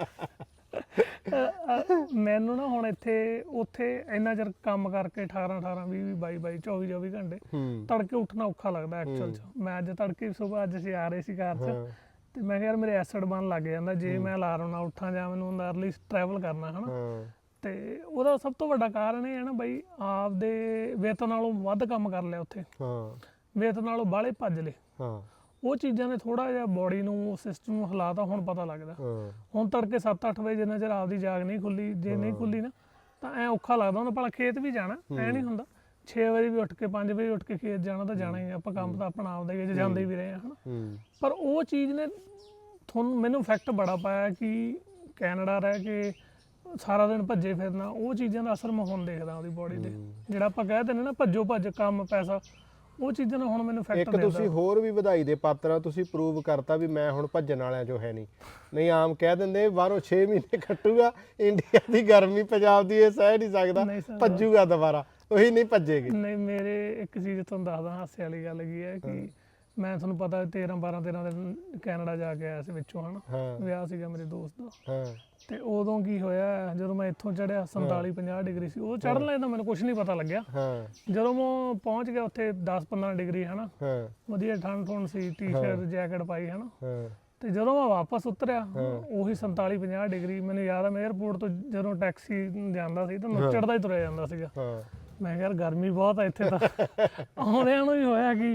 ਮੈਨੂੰ ਨਾ ਹੁਣ ਇੱਥੇ ਉੱਥੇ ਇੰਨਾ ਚਿਰ ਕੰਮ ਕਰਕੇ ਅਠਾਰਾਂ ਅਠਾਰਾਂ ਵੀਹ ਵੀਹ ਬਾਈ ਬਾਈ ਚੌਵੀ ਚੌਵੀ ਘੰਟੇ ਤੜਕੇ ਉੱਠਣਾ ਔਖਾ ਲੱਗਦਾ ਐਕਚੁਅਲ ਚ। ਮੈਂ ਅੱਜ ਤੜਕੇ ਸੁਬਾਹ ਅੱਜ ਅਸੀਂ ਆ ਰਹੇ ਸੀ ਕਾਰ ਚ ਤੇ ਮੈਂ ਕਿਹਾ ਯਾਰ ਮੇਰੇ ਐਸਿਡ ਬਣ ਲੱਗ ਜਾਂਦਾ ਜੇ ਮੈਂ ਅਲਾਰਮ ਨਾਲ ਉੱਠਾਂ ਜਾਂ ਮੈਨੂੰ ਅਰਲੀ ਟਰੈਵਲ ਕਰਨਾ ਹਨਾ। ਤੇ ਉਹਦਾ ਸਭ ਤੋਂ ਵੱਡਾ ਕਾਰਨ ਇਹ ਹੈ ਨਾ ਬਈ, ਆਪਦੇ ਵੇਤਨ ਨਾਲੋਂ ਵੱਧ ਕੰਮ ਕਰ ਲਿਆ ਉੱਥੇ, ਵੇਤਨ ਨਾਲੋਂ ਬਾਹਲੇ ਭੱਜ ਲਏ। ਉਹ ਚੀਜ਼ਾਂ ਨੇ ਥੋੜਾ ਜਿਹਾ ਬੋਡੀ ਨੂੰ ਸਿਸਟਮ ਨੂੰ ਹਿਲਾਤਾ, ਹੁਣ ਪਤਾ ਲੱਗਦਾ। ਹੁਣ ਤੜਕੇ ਸੱਤ ਅੱਠ ਵਜੇ ਜਿੰਨਾ ਚਿਰ ਆਪਦੀ ਜਾਗ ਨਹੀਂ ਖੁੱਲੀ, ਜੇ ਨਹੀਂ ਖੁੱਲੀ ਨਾ ਤਾਂ ਐ ਔਖਾ ਲੱਗਦਾ। ਹੁਣ ਭਲਾ ਖੇਤ ਵੀ ਜਾਣਾ ਐ ਨਹੀਂ ਹੁੰਦਾ, ਛੇ ਵਜੇ ਵੀ ਉੱਠ ਕੇ ਪੰਜ ਵਜੇ ਉੱਠ ਕੇ ਖੇਤ ਜਾਣਾ ਤਾਂ ਜਾਣਾ ਹੀ, ਆਪਾਂ ਕੰਮ ਤਾਂ ਆਪਣਾ ਆਪਦਾ ਹੀ ਜਾਂਦੇ ਵੀ ਰਹੇ ਹਨਾ। ਪਰ ਉਹ ਚੀਜ਼ ਨੇ ਤੁਹਾਨੂੰ ਮੈਨੂੰ ਇਫੈਕਟ ਬੜਾ ਪਾਇਆ ਕਿ ਕੈਨੇਡਾ ਰਹਿ ਕੇ ਸਾਰਾ ਦਿਨ ਭੱਜੇ ਫਿਰਨਾ, ਉਹ ਚੀਜ਼ਾਂ ਦਾ ਅਸਰ ਮੈਂ ਹੁਣ ਦੇਖਦਾ ਉਹਦੀ ਬੋਡੀ ਤੇ। ਜਿਹੜਾ ਆਪਾਂ ਕਹਿ ਦਿੰਦੇ ਨਾ ਭੱਜੋ ਭੱਜ ਕੰਮ ਪੈਸਾ, ਉਹ ਚੀਜ਼ਾਂ ਨਾਲ ਹੁਣ ਮੈਨੂੰ ਇਫੈਕਟ ਇੱਕ ਤੁਸੀਂ ਹੋਰ ਵੀ ਵਧਾਈ ਦੇ ਪਾਤਰ ਆ, ਤੁਸੀਂ ਪ੍ਰੂਵ ਕਰਤਾ ਵੀ ਮੈਂ ਹੁਣ ਭੱਜਣ ਵਾਲਿਆਂ ਚੋਂ ਹੈ ਨਹੀਂ। ਨਹੀਂ ਆਮ ਕਹਿ ਦਿੰਦੇ ਬਾਹਰੋਂ ਛੇ ਮਹੀਨੇ ਕੱਟੂਗਾ, ਇੰਡੀਆ ਦੀ ਗਰਮੀ ਪੰਜਾਬ ਦੀ ਇਹ ਸਹਿ ਨਹੀਂ ਸਕਦਾ, ਭੱਜੂਗਾ ਦੁਬਾਰਾ, ਉਹੀ ਨਹੀਂ ਭੱਜੇਗੀ। ਨਹੀਂ ਮੇਰੇ ਇੱਕ ਚੀਜ਼ ਤੁਹਾਨੂੰ ਦੱਸਦਾ ਹਾਸੇ ਵਾਲੀ ਗੱਲ ਕੀ ਹੈ ਕਿ ਮੈਂ ਤੁਹਾਨੂੰ ਪਤਾ ਤੇਰਾਂ ਬਾਰਾਂ ਤੇਰਾਂ ਦਿਨ ਕੈਨੇਡਾ ਜਾ ਕੇ ਆਇਆ ਸੀ ਵਿੱਚੋਂ ਹਨਾ, ਵਿਆਹ ਸੀਗਾ ਮੇਰੇ ਦੋਸਤ ਦਾ। ਤੇ ਉਦੋਂ ਕੀ ਹੋਇਆ, ਜਦੋਂ ਮੈਂ ਇੱਥੋਂ ਚੜਿਆ ਸੰਤਾਲੀ ਪੰਜਾਹ ਡਿਗਰੀ ਸੀ, ਉਹ ਚੜ੍ਹਨ ਲੱਗੇ ਤਾਂ ਮੈਨੂੰ ਕੁਝ ਨਹੀਂ ਪਤਾ ਲੱਗਿਆ। ਜਦੋਂ ਮੈਂ ਪਹੁੰਚ ਗਿਆ ਉੱਥੇ ਦਸ ਪੰਦਰਾਂ ਡਿਗਰੀ ਹਨਾ, ਵਧੀਆ ਠੰਡ ਠੁੰਡ ਸੀ, ਟੀ ਸ਼ਰਟ ਜੈਕਟ ਪਾਈ ਹਨਾ। ਤੇ ਜਦੋਂ ਮੈਂ ਵਾਪਸ ਉਤਰਿਆ ਉਹੀ ਸੰਤਾਲੀ ਪੰਜਾਹ ਡਿਗਰੀ, ਮੈਨੂੰ ਯਾਦ ਆ ਮੈਂ ਏਅਰਪੋਰਟ ਤੋਂ ਜਦੋਂ ਟੈਕਸੀ ਜਾਂਦਾ ਸੀ ਤਾਂ ਨੁੱਚੜਦਾ ਹੀ ਤੁਰਿਆ ਜਾਂਦਾ ਸੀਗਾ। ਮੈਂ ਕਿਹਾ ਯਾਰ ਗਰਮੀ ਬਹੁਤ ਆ ਇੱਥੇ ਤਾਂ। ਆਉਂਦਿਆਂ ਨੂੰ ਹੀ ਹੋਇਆ ਕਿ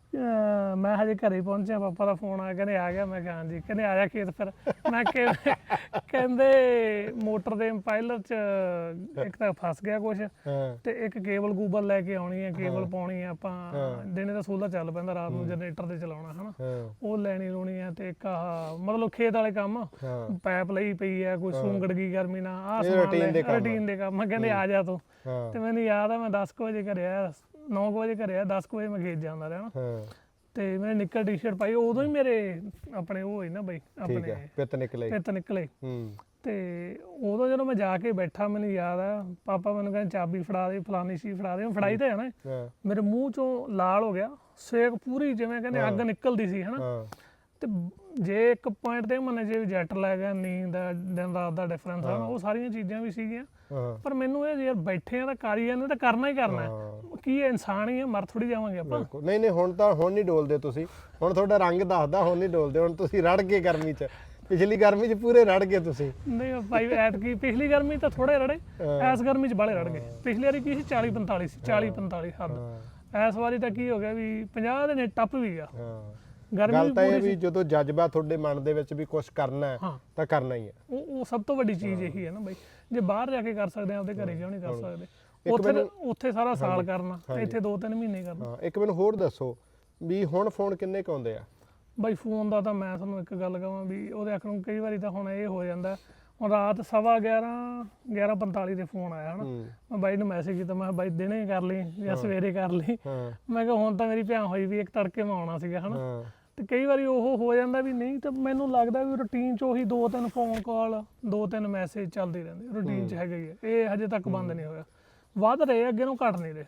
ਮੈਂ ਹਜੇ ਘਰੇ ਪਹੁੰਚਿਆ, ਪਾਪਾ ਦਾ ਫੋਨ ਆਇਆ, ਕਹਿੰਦੇ ਆ ਗਿਆ। ਮੈਂ ਕਿਹਾ ਹਾਂਜੀ। ਕਹਿੰਦੇ ਆ ਜਾ ਖੇਤ ਫਿਰ। ਮੈਂ ਕਹਿੰਦੇ ਮੋਟਰ ਦੇ ਇੰਪਾਇਲਰ ਚ ਇੱਕ ਤਾਂ ਫਸ ਗਿਆ ਕੁਛ, ਤੇ ਇੱਕ ਕੇਬਲ ਕੂਬਲ ਲੈ ਕੇ ਆਉਣੀ ਹੈ, ਕੇਬਲ ਪਾਉਣੀ ਹੈ ਆਪਾਂ, ਦਿਨੇ ਤਾਂ ਸੋਲਰ ਚੱਲ ਪੈਂਦਾ, ਰਾਤ ਨੂੰ ਜਨਰੇਟਰ ਤੇ ਚਲਾਉਣਾ ਹਨਾ, ਉਹ ਲੈਣੀ ਲੂਣੀ ਹੈ। ਤੇ ਇੱਕ ਆਹ ਮਤਲਬ ਖੇਤ ਵਾਲੇ ਕੰਮ, ਪਾਈਪ ਲਈ ਪਈ ਹੈ, ਕੋਈ ਸੂੰਗੜ ਗਈ ਗਰਮੀ ਨਾਲ, ਆਹ ਸਮਾਨ ਰੂਟੀਨ ਦੇ ਕੰਮ। ਕਹਿੰਦੇ ਆ ਜਾ ਤੂੰ। ਤੇ ਮੈਨੂੰ ਯਾਦ ਆ ਮੈਂ ਦਸ ਕੁ ਵਜੇ ਘਰੇ ਆਇਆ, ਨੌ ਕੁ ਵਜੇ ਘਰੇ ਆ, ਦਸ ਕੁ ਵਜੇ ਮੈਂ ਖੇਤ ਜਾਂਦਾ ਰਿਹਾ ਨਾ। ਤੇ ਮੈਂ ਨਿੱਕਰ ਟੀ ਸ਼ਰਟ ਪਾਈ, ਉਦੋਂ ਹੀ ਮੇਰੇ ਆਪਣੇ ਉਹ ਹੋਈ ਨਾ ਬਈ, ਆਪਣੇ ਪਿੱਤ ਨਿਕਲੇ ਪਿੱਤ ਨਿਕਲੇ। ਤੇ ਉਦੋਂ ਜਦੋਂ ਮੈਂ ਜਾ ਕੇ ਬੈਠਾ ਮੈਨੂੰ ਯਾਦ ਆ ਪਾਪਾ ਮੈਨੂੰ ਕਹਿੰਦੇ ਚਾਬੀ ਫੜਾ ਦੇ ਫਲਾਨੀ ਸੀ ਫੜਾ ਦੇ, ਫੜਾਈ ਤਾਂ ਹੈ ਨਾ, ਹਾਂ ਮੇਰੇ ਮੂੰਹ ਚੋਂ ਲਾਲ ਹੋ ਗਿਆ, ਸੇਕ ਪੂਰੀ ਜਿਵੇਂ ਕਹਿੰਦੇ ਅੱਗ ਨਿਕਲਦੀ ਸੀ ਹਨਾ। ਹਾਂ ਤੇ ਜੇ ਇੱਕ ਪੁਆਇੰਟ ਤੇ ਮੰਨੇ ਜੇ ਜੈਟ ਲੈ ਗਿਆ, ਨੀਂਦ ਦਾ ਦਿਨ ਰਾਤ ਦਾ ਡਿਫਰੈਂਸ ਆ, ਉਹ ਸਾਰੀਆਂ ਚੀਜ਼ਾਂ ਵੀ ਸੀਗੀਆਂ। ਹਾਂ ਪਰ ਮੈਨੂੰ ਇਹ ਯਾਰ ਬੈਠੇ ਆ ਤਾਂ ਕਰ ਹੀ ਜਾਂਦੇ ਤਾਂ ਕਰਨਾ ਹੀ ਕਰਨਾ ਹੈ। ਕੀ ਇਹ ਇਨਸਾਨ ਹੀ ਹੈ, ਮਰ ਥੋੜੀ ਜਾਵਾਂਗੇ ਆਪਾਂ। ਬਿਲਕੁਲ ਨਹੀਂ ਨਹੀਂ ਹੁਣ ਤਾਂ ਹੁਣ ਨਹੀਂ ਡੋਲਦੇ ਤੁਸੀਂ, ਹੁਣ ਤੁਹਾਡਾ ਰੰਗ ਦੱਸਦਾ, ਹੁਣ ਨਹੀਂ ਡੋਲਦੇ, ਹੁਣ ਤੁਸੀਂ ਰੜ ਗਏ ਗਰਮੀ 'ਚ, ਪਿਛਲੀ ਗਰਮੀ 'ਚ ਪੂਰੇ ਰੜ ਗਏ ਤੁਸੀਂ। ਨਹੀਂ ਭਾਈ ਐਤਕੀ ਪਿਛਲੀ ਗਰਮੀ ਤਾਂ ਥੋੜੇ ਰੜੇ, ਐਸ ਗਰਮੀ 'ਚ ਬਾਲੇ ਰੜ ਗਏ। ਪਿਛਲੀ ਵਾਰੀ ਕੀ ਸੀ ਚਾਲੀ ਪੰਤਾਲੀ ਸੀ, ਚਾਲੀ ਪੰਤਾਲੀ ਹੱਦ। ਇਸ ਵਾਰੀ ਤਾਂ ਕੀ ਹੋ ਗਿਆ ਵੀ ਪੰਜਾਹ ਦੇ ਨੇ ਟੱਪ ਵੀ ਗਿਆ। ਗਰਮੀ ਗੱਲ ਤਾਂ ਇਹ ਵੀ ਜਦੋਂ ਜਜ਼ਬਾ ਤੁਹਾਡੇ ਮਨ ਦੇ ਵਿੱਚ ਵੀ ਕੁਝ ਕਰਨਾ ਹੈ ਤਾਂ ਕਰਨਾ ਹੀ ਹੈ। ਉਹ ਉਹ ਸਭ ਤੋਂ ਵੱਡੀ ਚੀਜ਼ ਇਹੀ ਹੈ ਨਾ ਬਾਈ, ਜੇ ਬਾਹਰ ਜਾ ਕੇ ਕਰ ਸਕਦੇ ਆ ਆਪਦੇ ਘਰੇ ਕਿਉਂ ਨਹੀਂ ਕਰ ਸਕਦੇ? ਉੱਥੇ ਉੱਥੇ ਸਾਰਾ ਸਾਲ ਕਰਨਾ, ਇੱਥੇ ਦੋ ਤਿੰਨ ਮਹੀਨੇ ਕਰਨਾ। ਹਾਂ ਇੱਕ ਮੈਨੂੰ ਹੋਰ ਦੱਸੋ ਵੀ ਹੁਣ ਫੋਨ ਕਿੰਨੇ ਕੁ ਆਉਂਦੇ ਆ? ਬਾਈ ਫੋਨ ਦਾ ਤਾਂ ਮੈਂ ਤੁਹਾਨੂੰ ਇੱਕ ਗੱਲ ਕਹਾਂ ਵੀ ਉਹਦੇ ਅੱਖ ਨੂੰ ਕਈ ਵਾਰੀ ਤਾਂ ਹੁਣ ਇਹ ਹੋ ਜਾਂਦਾ, ਹੁਣ ਰਾਤ ਸਵਾ ਗਿਆਰਾਂ ਗਿਆਰਾਂ ਪੰਤਾਲੀ ਤੇ ਫੋਨ ਆਇਆ ਹਨਾ, ਮੈਂ ਬਾਈ ਨੂੰ ਮੈਸੇਜ ਕੀਤਾ, ਮੈਂ ਬਾਈ ਦਿਨੇ ਕਰ ਲਈ ਜਾਂ ਸਵੇਰੇ ਕਰ ਲਈ, ਮੈਂ ਕਿਹਾ ਹੁਣ ਤਾਂ ਮੇਰੀ ਭਿਆਨ ਹੋਈ ਵੀ ਇੱਕ ਤੜਕੇ ਮੈਂ ਆਉਣਾ ਸੀਗਾ ਹਨਾ। ਤੇ ਕਈ ਵਾਰੀ ਉਹ ਹੋ ਜਾਂਦਾ ਵੀ ਨਹੀਂ, ਤਾਂ ਮੈਨੂੰ ਲੱਗਦਾ ਵੀ ਰੂਟੀਨ 'ਚ ਉਹੀ ਦੋ ਤਿੰਨ ਫੋਨ ਕਾਲ ਦੋ ਤਿੰਨ ਮੈਸੇਜ ਚੱਲਦੇ ਰਹਿੰਦੇ, ਰੂਟੀਨ 'ਚ ਹੈਗਾ ਹੀ ਹੈ ਇਹ, ਹਜੇ ਤੱਕ ਬੰਦ ਨਹੀਂ ਹੋਇਆ, ਵੱਧ ਰਹੇ ਅੱਗੇ ਨੂੰ ਘਟ ਨਹੀਂ ਰਹੇ।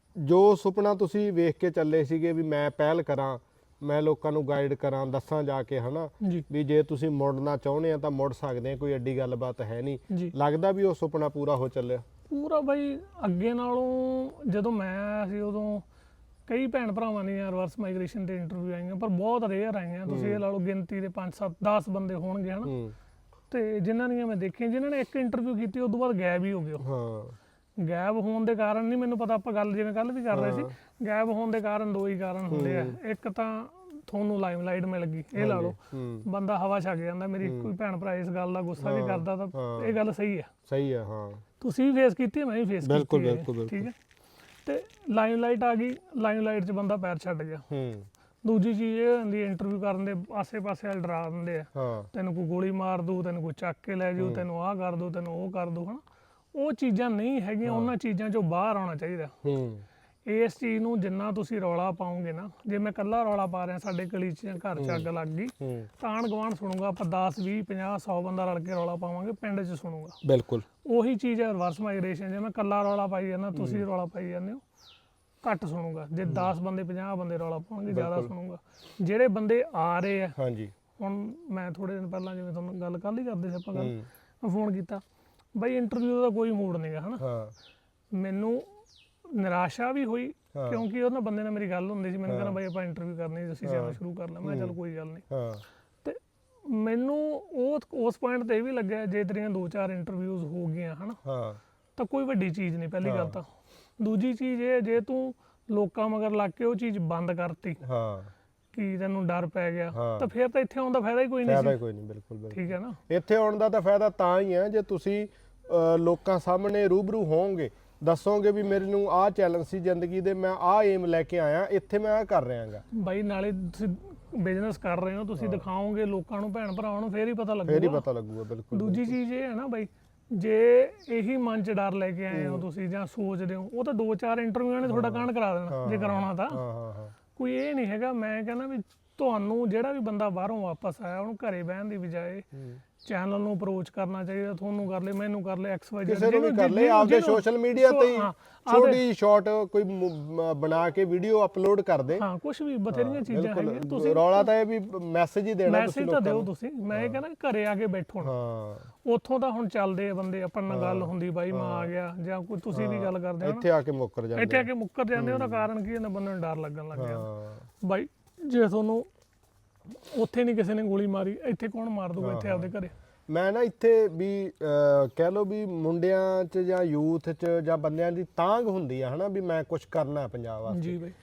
ਜੋ ਸੁਪਨਾ ਤੁਸੀਂ ਵੇਖ ਕੇ ਚੱਲੇ ਸੀਗੇ ਵੀ ਮੈਂ ਪਹਿਲ ਕਰਾਂ, ਮੈਂ ਲੋਕਾਂ ਨੂੰ ਗਾਈਡ ਕਰਾਂ, ਦੱਸਾਂ ਜਾ ਕੇ ਹਨਾ ਵੀ ਜੇ ਤੁਸੀਂ ਮੁੜਨਾ ਚਾਹੁੰਦੇ ਆ ਤਾਂ ਮੁੜ ਸਕਦੇ ਆ, ਕੋਈ ਐਡੀ ਗੱਲਬਾਤ ਹੈ ਨਹੀਂ, ਲੱਗਦਾ ਵੀ ਉਹ ਸੁਪਨਾ ਪੂਰਾ ਹੋ ਚੱਲਿਆ? ਪੂਰਾ ਬਾਈ ਅੱਗੇ ਨਾਲੋਂ ਜਦੋਂ ਮੈਂ ਆਇਆ ਸੀ ਉਦੋਂ ਕਈ ਭੈਣ ਭਰਾਵਾਂ ਦੀਆਂ ਰਿਵਰਸ ਮਾਈਗ੍ਰੇਸ਼ਨ ਤੇ ਇੰਟਰਵਿਊ ਆਈਆਂ, ਪਰ ਬਹੁਤ ਰੇਅਰ ਆਈਆਂ। ਤੁਸੀਂ ਇਹ ਲਾ ਲਓ ਗਿਣਤੀ ਦੇ ਪੰਜ ਸੱਤ ਦਸ ਬੰਦੇ ਹੋਣਗੇ ਹਨਾ, ਤੇ ਜਿਨ੍ਹਾਂ ਦੀਆਂ ਮੈਂ ਦੇਖੀਆਂ, ਜਿਨ੍ਹਾਂ ਨੇ ਇੱਕ ਇੰਟਰਵਿਊ ਕੀਤੀ ਉਸ ਤੋਂ ਬਾਅਦ ਗਾਇਬ ਹੀ ਹੋ ਗਏ। ਹਾਂ ਗਾਇਬ ਹੋਣ ਦੇ ਕਾਰਨ ਨਹੀਂ ਮੈਨੂੰ ਪਤਾ, ਆਪਾਂ ਗੱਲ ਜਿਵੇਂ ਕੱਲ ਵੀ ਕਰ ਰਹੇ ਸੀ, ਗਾਇਬ ਹੋਣ ਦੇ ਕਾਰਨ ਦੋ ਹੀ ਕਾਰਨ ਹੁੰਦੇ ਆ। ਇੱਕ ਤਾਂ ਤੁਹਾਨੂੰ ਲਾਈਮਲਾਈਟ ਮਿਲ ਗਈ, ਇਹ ਲਾ ਲਓ ਬੰਦਾ ਹਵਾ ਛੱਕ ਜਾਂਦਾ। ਮੇਰੀ ਕੋਈ ਭੈਣ ਭਰਾ ਇਸ ਗੱਲ ਦਾ ਗੁੱਸਾ ਵੀ ਕਰਦਾ ਤਾਂ ਇਹ ਗੱਲ ਸਹੀ ਹੈ, ਸਹੀ ਹੈ। ਹਾਂ ਤੁਸੀਂ ਵੀ ਫੇਸ ਕੀਤੀ, ਮੈਂ ਵੀ ਫੇਸ ਕੀਤੀ। ਬਿਲਕੁਲ ਬਿਲਕੁਲ ਠੀਕ ਹੈ। ਤੇ ਲਾਈਮਲਾਈਟ ਆ ਗਈ, ਲਾਈਮਲਾਈਟ 'ਚ ਬੰਦਾ ਪੈਰ ਛੱਡ ਗਿਆ। ਦੂਜੀ ਚੀਜ਼ ਇਹ ਹੁੰਦੀ, ਇੰਟਰਵਿਊ ਕਰਨ ਦੇ ਆਸੇ ਪਾਸੇ ਵਾਲੇ ਡਰਾ ਦਿੰਦੇ ਆ, ਤੈਨੂੰ ਕੋਈ ਗੋਲੀ ਮਾਰ ਦੂ, ਤੈਨੂੰ ਕੋਈ ਚੱਕ ਕੇ ਲੈ ਜਾਊ, ਤੈਨੂੰ ਆਹ ਕਰ ਦੂ, ਤੈਨੂੰ ਉਹ ਕਰ ਦੂ ਹਨਾ। ਉਹ ਚੀਜ਼ਾਂ ਨਹੀਂ ਹੈਗੀਆਂ, ਉਹਨਾਂ ਚੀਜ਼ਾਂ 'ਚੋਂ ਬਾਹਰ ਆਉਣਾ ਚਾਹੀਦਾ। ਇਸ ਚੀਜ਼ ਨੂੰ ਜਿੰਨਾ ਤੁਸੀਂ ਰੌਲਾ ਪਾਓਗੇ ਨਾ, ਜੇ ਮੈਂ ਇਕੱਲਾ ਰੌਲਾ ਪਾ ਰਿਹਾ ਸਾਡੇ ਗਲੀ 'ਚ ਘਰ 'ਚ ਅੱਗ ਲੱਗ ਗਈ ਤਾਂ ਆਂਢ ਗੁਆਂਢ ਸੁਣੂਗਾ, ਆਪਾਂ ਦਸ ਵੀਹ ਪੰਜਾਹ ਸੌ ਬੰਦਾ ਰਲ ਕੇ ਰੌਲਾ ਪਾਵਾਂਗੇ, ਪਿੰਡ 'ਚ ਸੁਣੂਗਾ। ਬਿਲਕੁਲ ਉਹੀ ਚੀਜ਼ ਹੈ ਰਿਵਰਸ ਮਾਈਗ੍ਰੇਸ਼ਨ, ਜੇ ਮੈਂ ਇਕੱਲਾ ਰੌਲਾ ਪਾਈ ਜਾਂਦਾ, ਤੁਸੀਂ ਰੌਲਾ ਪਾਈ ਜਾਂਦੇ ਹੋ, ਘੱਟ ਸੁਣੂਗਾ। ਜੇ ਦਸ ਬੰਦੇ ਪੰਜਾਹ ਬੰਦੇ ਰੌਲਾ ਪਾਉਣਗੇ ਜ਼ਿਆਦਾ ਸੁਣੂਗਾ। ਜਿਹੜੇ ਬੰਦੇ ਆ ਰਹੇ ਆ, ਹਾਂਜੀ ਹੁਣ ਮੈਂ ਥੋੜੇ ਦਿਨ ਪਹਿਲਾਂ ਜਿਵੇਂ ਤੁਹਾਨੂੰ ਗੱਲ ਕੱਲ੍ਹ ਹੀ ਕਰਦੇ ਸੀ ਆਪਾਂ ਗੱਲ, ਮੈਂ ਫੋਨ ਕੀਤਾ ਬਾਈ ਇੰਟਰਵਿਊ ਦਾ ਕੋਈ ਮੂਡ ਨਹੀਂਗਾ ਹਨਾ। ਮੈਨੂੰ ਨਿਰਾਸ਼ਾ ਵੀ ਹੋਈ ਕਿਉਂਕਿ ਉਹਨਾਂ ਬੰਦੇ ਨਾਲ ਮੇਰੀ ਗੱਲ ਹੁੰਦੀ ਸੀ, ਮੈਨੂੰ ਕਹਿੰਦਾ ਬਾਈ ਆਪਾਂ ਇੰਟਰਵਿਊ ਕਰਨੀ, ਅਸੀਂ ਚੈਨਲ ਸ਼ੁਰੂ ਕਰ ਲਿਆ। ਮੈਂ ਕਿਹਾ ਚੱਲ ਕੋਈ ਗੱਲ ਨਹੀਂ। ਤੇ ਮੈਨੂੰ ਉਹ ਉਸ ਪੁਆਇੰਟ ਤੇ ਇਹ ਵੀ ਲੱਗਿਆ, ਜੇ ਤੇਰੀਆਂ ਦੋ ਚਾਰ ਇੰਟਰਵਿਊਜ਼ ਹੋ ਗਈਆਂ ਹਨਾ ਤਾਂ ਕੋਈ ਵੱਡੀ ਚੀਜ਼ ਨਹੀਂ, ਪਹਿਲੀ ਗੱਲ ਤਾਂ। ਦੂਜੀ ਚੀਜ਼ ਇਹ, ਜੇ ਤੂੰ ਲੋਕਾਂ ਮਗਰ ਲੱਗ ਕੇ ਉਹ ਚੀਜ਼ ਬੰਦ ਕਰਤੀ ਕਿ ਤੈਨੂੰ ਡਰ ਪੈ ਗਿਆ, ਤਾਂ ਫਿਰ ਤਾਂ ਇੱਥੇ ਆਉਣ ਦਾ ਫਾਇਦਾ ਹੀ ਕੋਈ ਨਹੀਂ ਸੀ। ਕੋਈ ਨਹੀਂ, ਬਿਲਕੁਲ ਠੀਕ ਹੈ ਨਾ। ਇੱਥੇ ਆਉਣ ਦਾ ਤਾਂ ਫਾਇਦਾ ਤਾਂ ਹੀ ਹੈ ਜੇ ਤੁਸੀਂ ਲੋਕਾਂ ਸਾਹਮਣੇ ਰੂਬਰੂ ਹੋਵੋਗੇ, ਦੱਸੋਗੇ ਵੀ ਮੇਰੇ ਨੂੰ ਆਹ ਚੈਲੰਜ ਸੀ ਜ਼ਿੰਦਗੀ ਦੇ, ਮੈਂ ਆਹ ਏਮ ਲੈ ਕੇ ਆਇਆ, ਇੱਥੇ ਮੈਂ ਆਹ ਕਰ ਰਿਹਾਗਾ। ਬਾਈ ਨਾਲੇ ਤੁਸੀਂ ਬਿਜ਼ਨਸ ਕਰ ਰਹੇ ਹੋ, ਤੁਸੀਂ ਦਿਖਾਓਗੇ ਲੋਕਾਂ ਨੂੰ, ਭੈਣ ਭਰਾਵਾਂ ਨੂੰ, ਫੇਰ ਹੀ ਪਤਾ ਲੱਗੂਗਾ, ਫੇਰ ਹੀ ਪਤਾ ਲੱਗੂਗਾ। ਬਿਲਕੁਲ। ਦੂਜੀ ਚੀਜ਼ ਇਹ ਹੈ ਨਾ ਬਾਈ, ਜੇ ਇਹੀ ਮਨ 'ਚ ਡਰ ਲੈ ਕੇ ਆਏ ਹੋ ਤੁਸੀਂ ਜਾਂ ਸੋਚਦੇ ਹੋ, ਉਹ ਤਾਂ ਦੋ ਚਾਰ ਇੰਟਰਵਿਊਆਂ ਨੇ ਤੁਹਾਡਾ ਕਾਂਡ ਕਰਾ ਦੇਣਾ ਜੇ ਕਰਾਉਣਾ ਤਾਂ। ਕੋਈ ਇਹ ਨਹੀਂ ਹੈਗਾ। ਮੈਂ ਕਹਿੰਦਾ ਵੀ ਤੁਹਾਨੂੰ ਜਿਹੜਾ ਵੀ ਬੰਦਾ ਬਾਹਰੋਂ ਵਾਪਸ ਆਇਆ, ਉਹਨੂੰ ਘਰੇ ਬਹਿਣ ਦੀ ਬਜਾਏ ਚੈਨਲ ਨੂੰ ਅਪਰੋਚ ਕਰਨਾ ਚਾਹੀਦਾ। ਤੁਹਾਨੂੰ ਕਰ ਲੈ, ਮੈਨੂੰ ਕਰ ਲੈ, ਐਕਸ ਵਾਈ ਜ਼ੈਡ ਕਿਸੇ ਨੂੰ ਵੀ ਕਰ ਲੈ, ਆਪਦੇ ਸੋਸ਼ਲ ਮੀਡੀਆ ਤੇ ਛੋਟੀ ਸ਼ਾਰਟ ਕੋਈ ਬਣਾ ਕੇ ਵੀਡੀਓ ਅਪਲੋਡ ਕਰ ਦੇ। ਹਾਂ ਕੁਝ ਵੀ ਬਥੇਰੀਆਂ ਚੀਜ਼ਾਂ ਹੈਗੀਆਂ। ਤੁਸੀਂ ਰੌਲਾ ਤਾਂ ਇਹ ਵੀ ਮੈਸੇਜ ਹੀ ਦੇਣਾ, ਮੈਸੇਜ ਤਾਂ ਦਿਓ ਤੁਸੀਂ। ਮੈਂ ਇਹ ਕਹਿੰਦਾ ਘਰੇ ਆ ਕੇ ਬੈਠੋ ਨਾ, ਉੱਥੋਂ ਤਾਂ ਹੁਣ ਚੱਲਦੇ ਆ ਬੰਦੇ, ਆਪਾਂ ਨਾਲ ਗੱਲ ਹੁੰਦੀ ਬਾਈ ਮੈਂ ਆ ਗਿਆ, ਜਾਂ ਕੋਈ ਤੁਸੀਂ ਵੀ ਗੱਲ ਕਰਦੇ ਹੋ, ਇੱਥੇ ਆ ਕੇ ਮੁੱਕਰ ਜਾਂਦੇ, ਇੱਥੇ ਆ ਕੇ ਮੁੱਕਰ ਜਾਂਦੇ। ਉਹਦਾ ਕਾਰਨ ਕੀ ਹੁੰਦਾ, ਬੰਦੇ ਨੂੰ ਡਰ ਲੱਗਣ ਲੱਗ ਗਿਆ। ਬਾਈ ਜੇ ਤੁਹਾਨੂੰ ਉੱਥੇ ਨਹੀਂ ਕਿਸੇ ਨੇ ਗੋਲੀ ਮਾਰੀ, ਇੱਥੇ ਕੌਣ ਮਾਰ ਦੂਗਾ ਇੱਥੇ ਆਪਦੇ ਘਰੇ। ਮੈਂ ਨਾ ਇੱਥੇ ਵੀ ਕਹਿ ਲਓ ਵੀ ਮੁੰਡਿਆਂ 'ਚ ਜਾਂ ਯੂਥ 'ਚ ਜਾਂ ਬੰਦਿਆਂ ਦੀ ਤਾਂਘ ਹੁੰਦੀ ਆ ਹਨਾ ਵੀ ਮੈਂ ਕੁਝ ਕਰਨਾ ਪੰਜਾਬ ਵਾਸਤੇ। ਜੀ ਬਾਈ।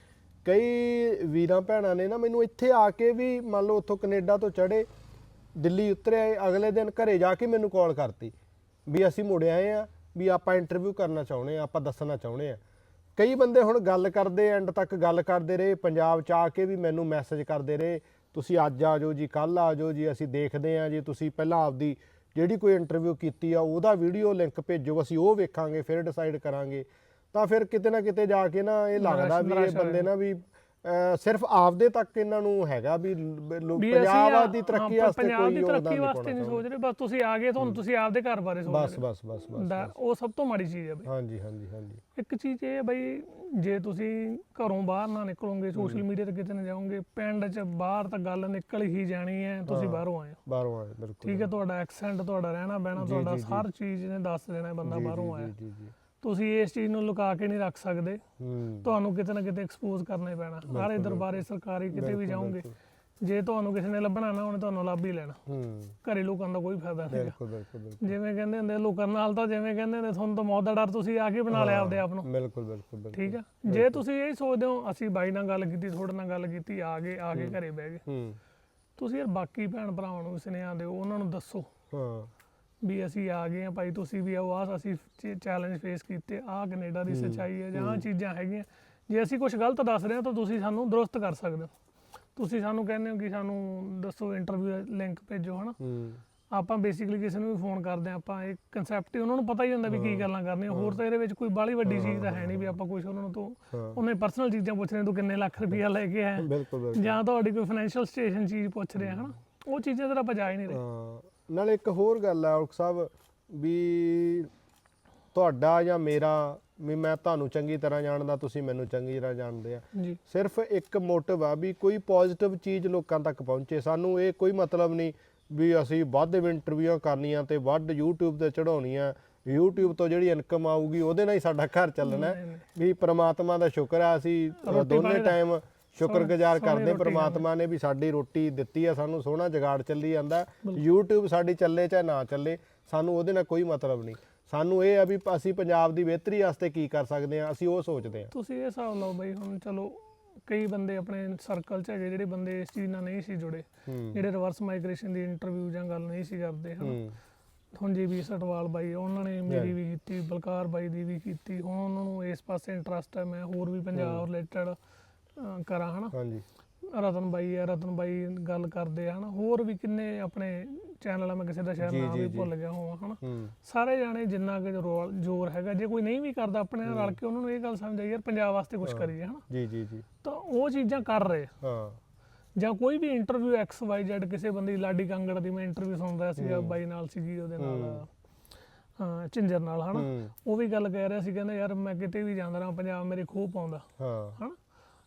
ਕਈ ਵੀਰਾਂ ਭੈਣਾਂ ਨੇ ਨਾ ਮੈਨੂੰ ਇੱਥੇ ਆ ਕੇ ਵੀ, ਮੰਨ ਲਓ ਉੱਥੋਂ ਕੈਨੇਡਾ ਤੋਂ ਚੜ੍ਹੇ, ਦਿੱਲੀ ਉਤਰੇ, ਅਗਲੇ ਦਿਨ ਘਰੇ ਜਾ ਕੇ ਮੈਨੂੰ ਕਾਲ ਕਰਤੀ ਵੀ ਅਸੀਂ ਮੁੜ ਆਏ ਆ, ਵੀ ਆਪਾਂ ਇੰਟਰਵਿਊ ਕਰਨਾ ਚਾਹੁੰਦੇ ਆ, ਆਪਾਂ ਦੱਸਣਾ ਚਾਹੁੰਦੇ ਆ। ਕਈ ਬੰਦੇ ਹੁਣ ਗੱਲ ਕਰਦੇ, ਐਂਡ ਤੱਕ ਗੱਲ ਕਰਦੇ ਰਹੇ, ਪੰਜਾਬ 'ਚ ਆ ਕੇ ਵੀ ਮੈਨੂੰ ਮੈਸੇਜ ਕਰਦੇ ਰਹੇ, ਤੁਸੀਂ ਅੱਜ ਆ ਜਾਓ ਜੀ, ਕੱਲ੍ਹ ਆ ਜਾਓ ਜੀ, ਅਸੀਂ ਦੇਖਦੇ ਹਾਂ ਜੀ, ਤੁਸੀਂ ਪਹਿਲਾਂ ਆਪਦੀ ਜਿਹੜੀ ਕੋਈ ਇੰਟਰਵਿਊ ਕੀਤੀ ਆ ਉਹਦਾ ਵੀਡੀਓ ਲਿੰਕ ਭੇਜੋ, ਅਸੀਂ ਉਹ ਵੇਖਾਂਗੇ, ਫਿਰ ਡਿਸਾਈਡ ਕਰਾਂਗੇ। ਤਾਂ ਫਿਰ ਕਿਤੇ ਨਾ ਕਿਤੇ ਜਾ ਕੇ ਨਾ ਇਹ ਲੱਗਦਾ ਵੀ ਇਹ ਬੰਦੇ ਨਾ ਵੀ ਅਹ ਸਿਰਫ ਆਪਦੇ ਤੱਕ ਇਹਨਾਂ ਨੂੰ ਹੈਗਾ ਵੀ ਲ- ਲੋਕ ਵੀ ਅਸੀਂ ਪੰਜਾਬ ਆ- ਦੀ ਤਰੱਕੀ ਹਾਂ, ਵਾਸਤੇ ਪੰਜਾਬ ਕੋਈ ਦੀ ਯੋਗਦਾਨ ਤਰੱਕੀ ਨਹੀਂ ਵਾਸਤੇ ਪਾਉਣਾ ਨਹੀਂ ਸੋਚ ਰਹੇ, ਬਸ ਤੁਸੀਂ ਆ ਗਏ ਤੁਹਾਨੂੰ ਤੁਸੀਂ ਆਪਦੇ ਘਰ ਬਾਰੇ ਸੋਚ ਬਸ ਰਹੇ ਬਸ ਬਸ ਬਸ ਦਾ ਉਹ ਸਭ ਤੋਂ ਮਾੜੀ ਚੀਜ਼ ਹੈ ਬਈ। ਹਾਂਜੀ ਹਾਂਜੀ ਹਾਂਜੀ ਇੱਕ ਚੀਜ਼ ਇਹ ਹੈ ਬਈ, ਜੇ ਤੁਸੀਂ ਘਰੋਂ ਬਾਹਰ ਨਾ ਨਿਕਲੋਗੇ, ਸੋਸ਼ਲ ਮੀਡੀਆ ਤੇ ਕਿਤੇ ਨਾ ਜਾਓਗੇ, ਪਿੰਡ 'ਚ ਬਾਹਰ ਤਾਂ ਗੱਲ ਨਿਕਲ ਹੀ ਜਾਣੀ ਹੈ, ਤੁਸੀਂ ਬਾਹਰੋਂ ਆਏ ਹੋ, ਬਾਹਰੋਂ ਆਏ ਬਿਲਕੁਲ ਠੀਕ ਹੈ, ਤੁਹਾਡਾ ਐਕਸੈਂਟ, ਤੁਹਾਡਾ ਰਹਿਣਾ ਬਹਿਣਾ, ਤੁਹਾਡਾ ਹਰ ਚੀਜ਼ ਨੇ ਦੱਸ ਦੇਣਾ ਬੰਦਾ ਬਾਹਰੋਂ ਆਇਆ। ਜੀ ਜੀ ਤੁਸੀਂ ਇਸ ਚੀਜ਼ ਨੂੰ ਲੁਕਾ ਕੇ ਨਹੀਂ ਰੱਖ ਸਕਦੇ, ਹੂੰ ਤੁਹਾਨੂੰ ਕਿਤੇ ਨਾ ਕਿਤੇ ਐਕਸਪੋਜ਼ ਕਰਨਾ ਹੀ ਪੈਣਾ। ਸਾਰੇ ਦਰਬਾਰੇ ਸਰਕਾਰੀ ਕਿਤੇ ਵੀ ਜਾਓਗੇ, ਜੇ ਤੁਹਾਨੂੰ ਕਿਸੇ ਨੇ ਲੱਭਣਾ ਨਾ, ਉਹਨੇ ਤੁਹਾਨੂੰ ਲੱਭ ਹੀ ਲੈਣਾ। ਹੂੰ ਘਰੇ ਲੋਕਾਂ ਦਾ ਕੋਈ ਫਾਇਦਾ ਨਹੀਂ। ਬਿਲਕੁਲ ਬਿਲਕੁਲ ਬਿਲਕੁਲ ਜਿਵੇਂ ਕਹਿੰਦੇ ਹੁੰਦੇ ਲੋਕਾਂ ਨਾਲ ਤਾਂ ਜਿਵੇਂ ਕਹਿੰਦੇ ਨੇ ਤੁਹਾਨੂੰ ਤਾਂ ਮੌਤ ਦਾ ਡਰ ਤੁਸੀਂ ਆ ਕੇ ਬਣਾ ਲਿਆ ਆਪਦੇ ਆਪ ਨੂੰ, ਬਿਲਕੁਲ ਬਿਲਕੁਲ ਬਿਲਕੁਲ ਠੀਕ ਆ। ਜੇ ਤੁਸੀਂ ਇਹ ਸੋਚਦੇ ਹੋ ਅਸੀਂ ਬਾਈ ਨਾਲ ਗੱਲ ਕੀਤੀ, ਤੁਹਾਡੇ ਨਾਲ ਗੱਲ ਕੀਤੀ, ਆ ਗਏ ਆ ਕੇ ਘਰੇ ਬਹਿ ਗਏ, ਹੂੰ ਤੁਸੀਂ ਯਾਰ ਬਾਕੀ ਭੈਣ ਭਰਾਵਾਂ ਨੂੰ ਸੁਨੇਹਾ ਦਿਓ, ਉਹਨਾਂ ਨੂੰ ਦੱਸੋ ਹਾਂ ਵੀ ਅਸੀਂ ਆ ਗਏ ਆ ਭਾਈ, ਤੁਸੀਂ ਵੀ ਆਓ, ਆਹ ਅਸੀਂ ਚੈਲੰਜ ਫੇਸ ਕੀਤੇ, ਆਹ ਕੈਨੇਡਾ ਦੀ ਸੱਚਾਈ ਹੈ ਜਾਂ ਆਹ ਚੀਜ਼ਾਂ ਹੈਗੀਆਂ। ਜੇ ਅਸੀਂ ਕੁਝ ਗਲਤ ਦੱਸ ਰਹੇ ਹਾਂ ਤਾਂ ਤੁਸੀਂ ਸਾਨੂੰ ਦਰੁਸਤ ਕਰ ਸਕਦੇ ਹੋ। ਤੁਸੀਂ ਸਾਨੂੰ ਕਹਿੰਦੇ ਹੋ ਕਿ ਸਾਨੂੰ ਦੱਸੋ, ਇੰਟਰਵਿਊ ਲਿੰਕ ਭੇਜੋ, ਹਨਾ। ਹੂੰ ਆਪਾਂ ਬੇਸਿਕਲੀ ਕਿਸੇ ਨੂੰ ਵੀ ਫੋਨ ਕਰਦੇ ਹਾਂ, ਆਪਾਂ ਇਹ ਕਨਸੈਪਟ ਹੀ ਉਹਨਾਂ ਨੂੰ ਪਤਾ ਹੀ ਹੁੰਦਾ ਵੀ ਕੀ ਗੱਲਾਂ ਕਰਨੀਆਂ। ਹੋਰ ਤਾਂ ਇਹਦੇ ਵਿੱਚ ਕੋਈ ਬਾਹਲੀ ਵੱਡੀ ਚੀਜ਼ ਤਾਂ ਹੈ ਨਹੀਂ ਵੀ ਆਪਾਂ ਕੁਝ ਉਹਨਾਂ ਨੂੰ ਤੋਂ ਉਹਨੇ ਪਰਸਨਲ ਚੀਜ਼ਾਂ ਪੁੱਛ ਰਹੇ, ਤੂੰ ਕਿੰਨੇ ਲੱਖ ਰੁਪਈਆ ਲੈ ਕੇ ਆਇਆ, ਬਿਲਕੁਲ ਬਿਲਕੁਲ ਜਾਂ ਤੁਹਾਡੀ ਕੋਈ ਫਾਈਨੈਂਸ਼ੀਅਲ ਸਿਚੁਏਸ਼ਨ ਚੀਜ਼ ਪੁੱਛ ਰਹੇ ਆ, ਹਨਾ। ਉਹ ਚੀਜ਼ਾਂ ਤਾਂ ਆਪਾਂ ਜਾ ਹੀ ਨਹੀਂ ਰਹੇ। ਹਾਂ ਨਾਲੇ ਇੱਕ ਹੋਰ ਗੱਲ ਹੈ ਔਲਖ ਸਾਹਿਬ, ਵੀ ਤੁਹਾਡਾ ਜਾਂ ਮੇਰਾ ਵੀ ਮੈਂ ਤੁਹਾਨੂੰ ਚੰਗੀ ਤਰ੍ਹਾਂ ਜਾਣਦਾ, ਤੁਸੀਂ ਮੈਨੂੰ ਚੰਗੀ ਤਰ੍ਹਾਂ ਜਾਣਦੇ ਆ, ਜੀ ਸਿਰਫ ਇੱਕ ਮੋਟਿਵ ਆ ਵੀ ਕੋਈ ਪੋਜ਼ਿਟਿਵ ਚੀਜ਼ ਲੋਕਾਂ ਤੱਕ ਪਹੁੰਚੇ। ਸਾਨੂੰ ਇਹ ਕੋਈ ਮਤਲਬ ਨਹੀਂ ਵੀ ਅਸੀਂ ਵੱਧ ਇੰਟਰਵਿਊਆਂ ਕਰਨੀਆਂ ਤੇ ਵੱਧ YouTube ਤੇ ਚੜਾਉਣੀਆਂ, YouTube ਤੋਂ ਜਿਹੜੀ ਇਨਕਮ ਆਊਗੀ ਉਹਦੇ ਨਾਲ ਹੀ ਸਾਡਾ ਘਰ ਚੱਲਣਾ ਹੈ। ਵੀ ਪ੍ਰਮਾਤਮਾ ਦਾ ਸ਼ੁਕਰ ਆ, ਅਸੀਂ ਦੋਨੇ ਟਾਈਮ ਸ਼ੁਕਰਗੁਜ਼ਾਰ ਕਰਦੇ ਪ੍ਰਮਾਤਮਾ ਨੇ ਵੀ ਸਾਡੀ ਰੋਟੀ ਦਿੱਤੀ ਆ, ਸਾਨੂੰ ਸੋਹਣਾ ਜੁਗਾੜ ਚੱਲੀ ਜਾਂਦਾ। YouTube ਸਾਡੀ ਚੱਲੇ ਚਾਹੇ ਨਾ ਚੱਲੇ, ਸਾਨੂੰ ਉਹਦੇ ਨਾਲ ਕੋਈ ਮਤਲਬ ਨਹੀਂ। ਸਾਨੂੰ ਇਹ ਆ ਵੀ ਅਸੀਂ ਪੰਜਾਬ ਦੀ ਬਿਹਤਰੀ ਵਾਸਤੇ ਕੀ ਕਰ ਸਕਦੇ ਆ, ਅਸੀਂ ਉਹ ਸੋਚਦੇ ਆ। ਤੁਸੀਂ ਇਹ ਹਿਸਾਬ ਲਓ ਬਈ, ਹੁਣ ਚਲੋ ਕਈ ਬੰਦੇ ਆਪਣੇ ਸਰਕਲ 'ਚ ਹੈਗੇ ਜਿਹੜੇ ਬੰਦੇ ਇਸ ਚੀਜ਼ ਨਾਲ ਨਹੀਂ ਸੀ ਜੁੜੇ, ਜਿਹੜੇ ਰਿਵਰਸ ਮਾਈਗ੍ਰੇਸ਼ਨ ਦੀ ਇੰਟਰਵਿਊ ਜਾਂ ਗੱਲ ਨਹੀਂ ਸੀ ਕਰਦੇ, ਹਨ। ਹੁਣ ਜੀ ਵੀ ਸਟਵਾਲ ਬਾਈ, ਉਹਨਾਂ ਨੇ ਮੇਰੀ ਵੀ ਕੀਤੀ, ਬਲਕਾਰ ਬਾਈ ਦੀ ਵੀ ਕੀਤੀ। ਹੁਣ ਉਹਨਾਂ ਨੂੰ ਇਸ ਪਾਸੇ ਇੰਟਰਸਟ ਹੈ, ਮੈਂ ਹੋਰ ਵੀ ਪੰਜਾਬ ਰਿਲੇਟਡ ਕਰਾਂ, ਹਨਾ। ਹਾਂਜੀ ਰਤਨ ਬਾਈ ਹੈ, ਰਤਨ ਬਾਈ ਗੱਲ ਕਰਦੇ ਆ, ਹਨਾ। ਹੋਰ ਵੀ ਕਿੰਨੇ ਆਪਣੇ ਚੈਨਲ ਆ, ਮੈਂ ਕਿਸੇ ਦਾ ਸ਼ਾਇਦ ਨਾਮ ਵੀ ਭੁੱਲ ਗਿਆ ਹੋਵਾਂ, ਹਨਾ। ਸਾਰੇ ਜਾਣੇ ਜਿੰਨਾ ਕਿ ਜ਼ੋਰ ਹੈਗਾ, ਜੇ ਕੋਈ ਨਹੀਂ ਵੀ ਕਰਦਾ ਆਪਣੇ ਨਾਲ ਰਲ ਕੇ, ਉਹਨਾਂ ਨੂੰ ਇਹ ਗੱਲ ਸਮਝ ਆਈ ਯਾਰ ਪੰਜਾਬ ਵਾਸਤੇ ਕੁਝ ਕਰੀਏ, ਹਨਾ। ਜੀ ਜੀ ਜੀ ਤਾਂ ਉਹ ਚੀਜ਼ਾਂ ਕਰ ਰਹੇ। ਹਾਂ ਜਾਂ ਕੋਈ ਵੀ ਇੰਟਰਵਿਊ ਐਕਸ ਵਾਈ ਜ਼ੈਡ ਕਿਸੇ ਬੰਦੇ ਦੀ, ਲਾਡੀ ਕਾਂਗੜ ਦੀ ਮੈਂ ਇੰਟਰਵਿਊ ਸੁਣ ਰਿਹਾ ਸੀਗਾ, ਬਾਈ ਨਾਲ ਸੀਗੀ, ਉਹਦੇ ਨਾਲ ਹਾਂ ਝਿੰਜਰ ਨਾਲ, ਹਨਾ। ਉਹ ਵੀ ਗੱਲ ਕਹਿ ਰਿਹਾ ਸੀ, ਕਹਿੰਦਾ ਯਾਰ ਮੈਂ ਕਿਤੇ ਵੀ ਜਾਂਦਾ ਰਹਾਂ, ਪੰਜਾਬ ਮੇਰੇ ਖੂਹ ਪਾਉਂਦਾ, ਹਾਂ ਹਨਾ।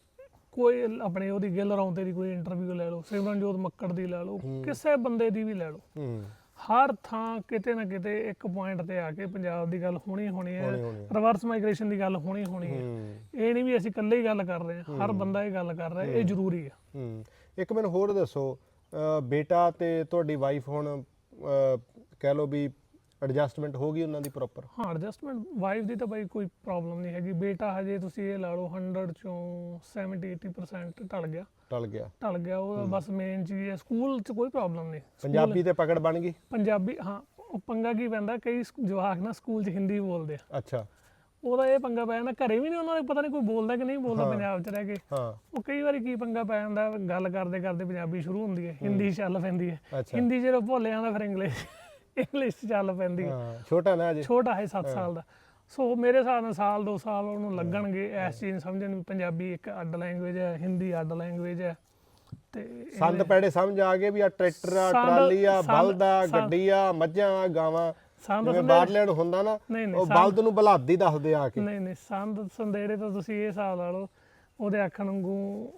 ਕੋਈ ਆਪਣੇ ਉਹਦੀ ਗਿੱਲ ਰੌਂਤੇ ਦੀ ਕੋਈ ਇੰਟਰਵਿਊ ਲੈ ਲਓ, ਸਿਮਰਨਜੋਤ ਮੱਕੜ ਦੀ ਲੈ ਲਓ, ਕਿਸੇ ਬੰਦੇ ਦੀ ਵੀ ਲੈ ਲਓ, ਹਰ ਥਾਂ ਕਿਤੇ ਨਾ ਕਿਤੇ ਇੱਕ ਪੁਆਇੰਟ ਤੇ ਆ ਕੇ ਪੰਜਾਬ ਦੀ ਗੱਲ ਹੋਣੀ ਹੋਣੀ ਹੈ, ਰਿਵਰਸ ਮਾਈਗ੍ਰੇਸ਼ਨ ਦੀ ਗੱਲ ਹੋਣੀ ਹੋਣੀ ਹੈ। ਇਹ ਨਹੀਂ ਵੀ ਅਸੀਂ ਇਕੱਲੇ ਹੀ ਗੱਲ ਕਰ ਰਹੇ ਹਾਂ, ਹਰ ਬੰਦਾ ਇਹ ਗੱਲ ਕਰ ਰਿਹਾ, ਇਹ ਜ਼ਰੂਰੀ ਹੈ। ਇੱਕ ਮੈਨੂੰ ਹੋਰ ਦੱਸੋ, ਬੇਟਾ ਤੇ ਤੁਹਾਡੀ ਵਾਈਫ ਹੁਣ ਕਹਿ ਲਓ ਵੀ ਐਡਜਸਟਮੈਂਟ ਹੋ ਗਈ ਉਹਨਾਂ ਦੀ ਪ੍ਰੋਪਰ? ਹਾਂ ਐਡਜਸਟਮੈਂਟ ਵਾਈਫ ਦੀ ਤਾਂ ਬਾਈ ਕੋਈ ਪ੍ਰੋਬਲਮ ਨਹੀਂ ਹੈਗੀ। ਬੇਟਾ ਹਜੇ ਤੁਸੀਂ ਇਹ ਲਾ ਲਓ ਹੰਡਰਡ ਚੋਂ ਸੈਵਨਟੀ ਏਟੀ ਪਰਸੈਂਟ ਢਲ ਗਿਆ ਟਲ ਗਿਆ ਢਲ ਗਿਆ ਉਹ ਬਸ ਮੇਨ ਚੀਜ਼ ਹੈ। ਸਕੂਲ 'ਚ ਕੋਈ ਪ੍ਰੋਬਲਮ ਨਹੀਂ, ਪੰਜਾਬੀ ਤੇ ਪਕੜ ਬਣ ਗਈ। ਪੰਜਾਬੀ ਹਾਂ, ਉਹ ਪੰਗਾ ਕੀ ਪੈਂਦਾ, ਕਈ ਜਵਾਕ ਨਾ ਸਕੂਲ 'ਚ ਹਿੰਦੀ ਬੋਲਦੇ ਆ। ਅੱਛਾ, ਉਹਦਾ ਇਹ ਪੰਗਾ ਪੈ ਜਾਂਦਾ, ਘਰੇ ਵੀ ਨਹੀਂ ਉਹਨਾਂ ਨੂੰ ਪਤਾ ਨਹੀਂ ਕੋਈ ਬੋਲਦਾ ਕਿ ਨਹੀਂ ਬੋਲਦਾ ਪੰਜਾਬ 'ਚ ਰਹਿ ਕੇ। ਹਾਂ ਉਹ ਕਈ ਵਾਰੀ ਕੀ ਪੰਗਾ ਪੈ ਜਾਂਦਾ, ਗੱਲ ਕਰਦੇ ਕਰਦੇ ਪੰਜਾਬੀ ਸ਼ੁਰੂ ਹੁੰਦੀ ਹੈ, ਹਿੰਦੀ ਚੱਲ ਪੈਂਦੀ ਹੈ, ਹਿੰਦੀ ਜਦੋਂ ਭੁੱਲ ਜਾਂਦਾ ਫਿਰ ਇੰਗਲਿਸ਼ ਇੰਗਲਿਸ਼ ਚੱਲ ਪੈਂਦੀ ਹੈ। ਛੋਟਾ ਨਾ ਅਜੇ, ਛੋਟਾ ਹੈ ਸੱਤ ਸਾਲ ਦਾ। ਸੋ ਮੇਰੇ ਹਿਸਾਬ ਨਾਲ ਸਾਲ ਦੋ ਸਾਲ ਉਹਨੂੰ ਲੱਗਣਗੇ ਇਸ ਚੀਜ਼ ਸਮਝਣ ਵੀ ਪੰਜਾਬੀ ਇੱਕ ਅੱਡ ਲੈਂਗੁਏਜ ਹੈ, ਹਿੰਦੀ ਅੱਡ ਲੈਂਗੁਏਜ ਹੈ। ਤੇ ਸੰਦ ਪੈੜੇ ਸਮਝ ਆ ਗਏ ਵੀ ਆ ਟਰੈਕਟਰ ਆ, ਟਰਾਲੀ ਆ, ਬਲਦ ਆ, ਗੱਡੀ ਆ, ਮੱਝਾਂ ਆ, ਗਾਵਾਂ। ਜਿਵੇਂ ਬਾਹਰਲੇ ਨੂੰ ਹੁੰਦਾ ਨਾ, ਉਹ ਬਲਦ ਨੂੰ ਬਲਾਦੀ ਦੱਸਦੇ ਆ ਕੇ। ਨਹੀਂ ਨਹੀਂ ਸੰਦ ਸੰਦੇੜੇ ਤਾਂ ਤੁਸੀਂ ਇਹ ਹਿਸਾਬ ਲਾ ਲਓ, ਉਹਦੇ ਆਖਣ ਵਾਂਗੂ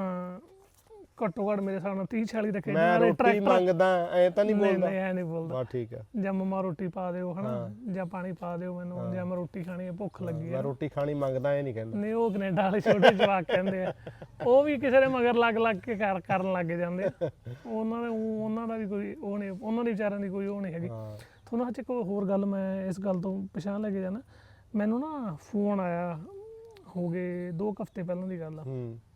ਘੱਟੋ ਘੱਟ ਮੇਰੇ ਹਿਸਾਬ ਨਾਲ ਤੀਹ ਚਾਲੀ ਰੱਖੇ। ਮੈਂ ਰੋਟੀ ਮੰਗਦਾ ਐ ਤਾਂ ਨਹੀਂ ਬੋਲਦਾ? ਨਹੀਂ ਐ ਨਹੀਂ ਬੋਲਦਾ। ਬਾ ਠੀਕ ਹੈ। ਜਾਂ ਮੰਮਾ ਰੋਟੀ ਪਾ ਦਿਓ, ਹਨਾ, ਜਾਂ ਪਾਣੀ ਪਾ ਦਿਓ ਮੈਨੂੰ, ਜਾਂ ਮੈਂ ਰੋਟੀ ਖਾਣੀ ਹੈ, ਭੁੱਖ ਲੱਗੀ ਹੈ, ਮੈਂ ਰੋਟੀ ਖਾਣੀ ਮੰਗਦਾ, ਇਹ ਨਹੀਂ ਕਹਿੰਦਾ। ਨਹੀਂ ਉਹ ਕੈਨੇਡਾ ਵਾਲੇ ਛੋਟੇ ਜਵਾਕ ਕਹਿੰਦੇ ਆ, ਉਹ ਵੀ ਕਿਸੇ ਦੇ ਮਗਰ ਲੱਗ ਲੱਗ ਕੇ ਕਰ ਕਰਨ ਲੱਗ ਜਾਂਦੇ। ਉਹਨਾਂ ਦੇ ਉਹਨਾਂ ਦਾ ਵੀ ਕੋਈ ਉਹ ਨਹੀਂ, ਉਹਨਾਂ ਦੇ ਵਿਚਾਰਿਆਂ ਦੀ ਕੋਈ ਉਹ ਨਹੀਂ ਹੈਗੀ। ਤੁਹਾਨੂੰ ਅੱਜ ਇੱਕ ਹੋਰ ਗੱਲ ਮੈਂ ਇਸ ਗੱਲ ਤੋਂ ਪਛਾਣ ਲੈ ਕੇ ਜਾਣਾ, ਮੈਨੂੰ ਨਾ ਫੋਨ ਆਇਆ ਹੋ ਗਏ ਦੋ ਕੁ ਹਫ਼ਤੇ ਪਹਿਲਾਂ ਦੀ ਗੱਲ ਆ।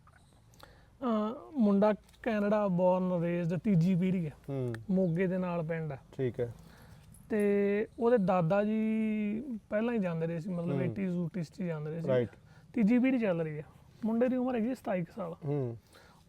ਮੁੰਡਾ ਕੈਨੇਡਾ ਬੋਰਨ ਰੇਜ਼ਡ, ਤੀਜੀ ਪੀੜ੍ਹੀ ਹੈ, ਮੋਗੇ ਦੇ ਨਾਲ ਪਿੰਡ ਹੈ। ਠੀਕ ਹੈ। ਤੇ ਉਹਦੇ ਦਾਦਾ ਜੀ ਪਹਿਲਾਂ ਹੀ ਜਾਂਦੇ ਰਹੇ ਸੀ, ਮਤਲਬ ਏਟੀਜ਼ ਊਟੀਜ਼ 'ਚ ਜਾਂਦੇ ਰਹੇ ਸੀ। ਤੀਜੀ ਪੀੜ੍ਹੀ ਚੱਲ ਰਹੀ ਹੈ। ਮੁੰਡੇ ਦੀ ਉਮਰ ਹੈਗੀ ਸਤਾਈ ਕੁ ਸਾਲ।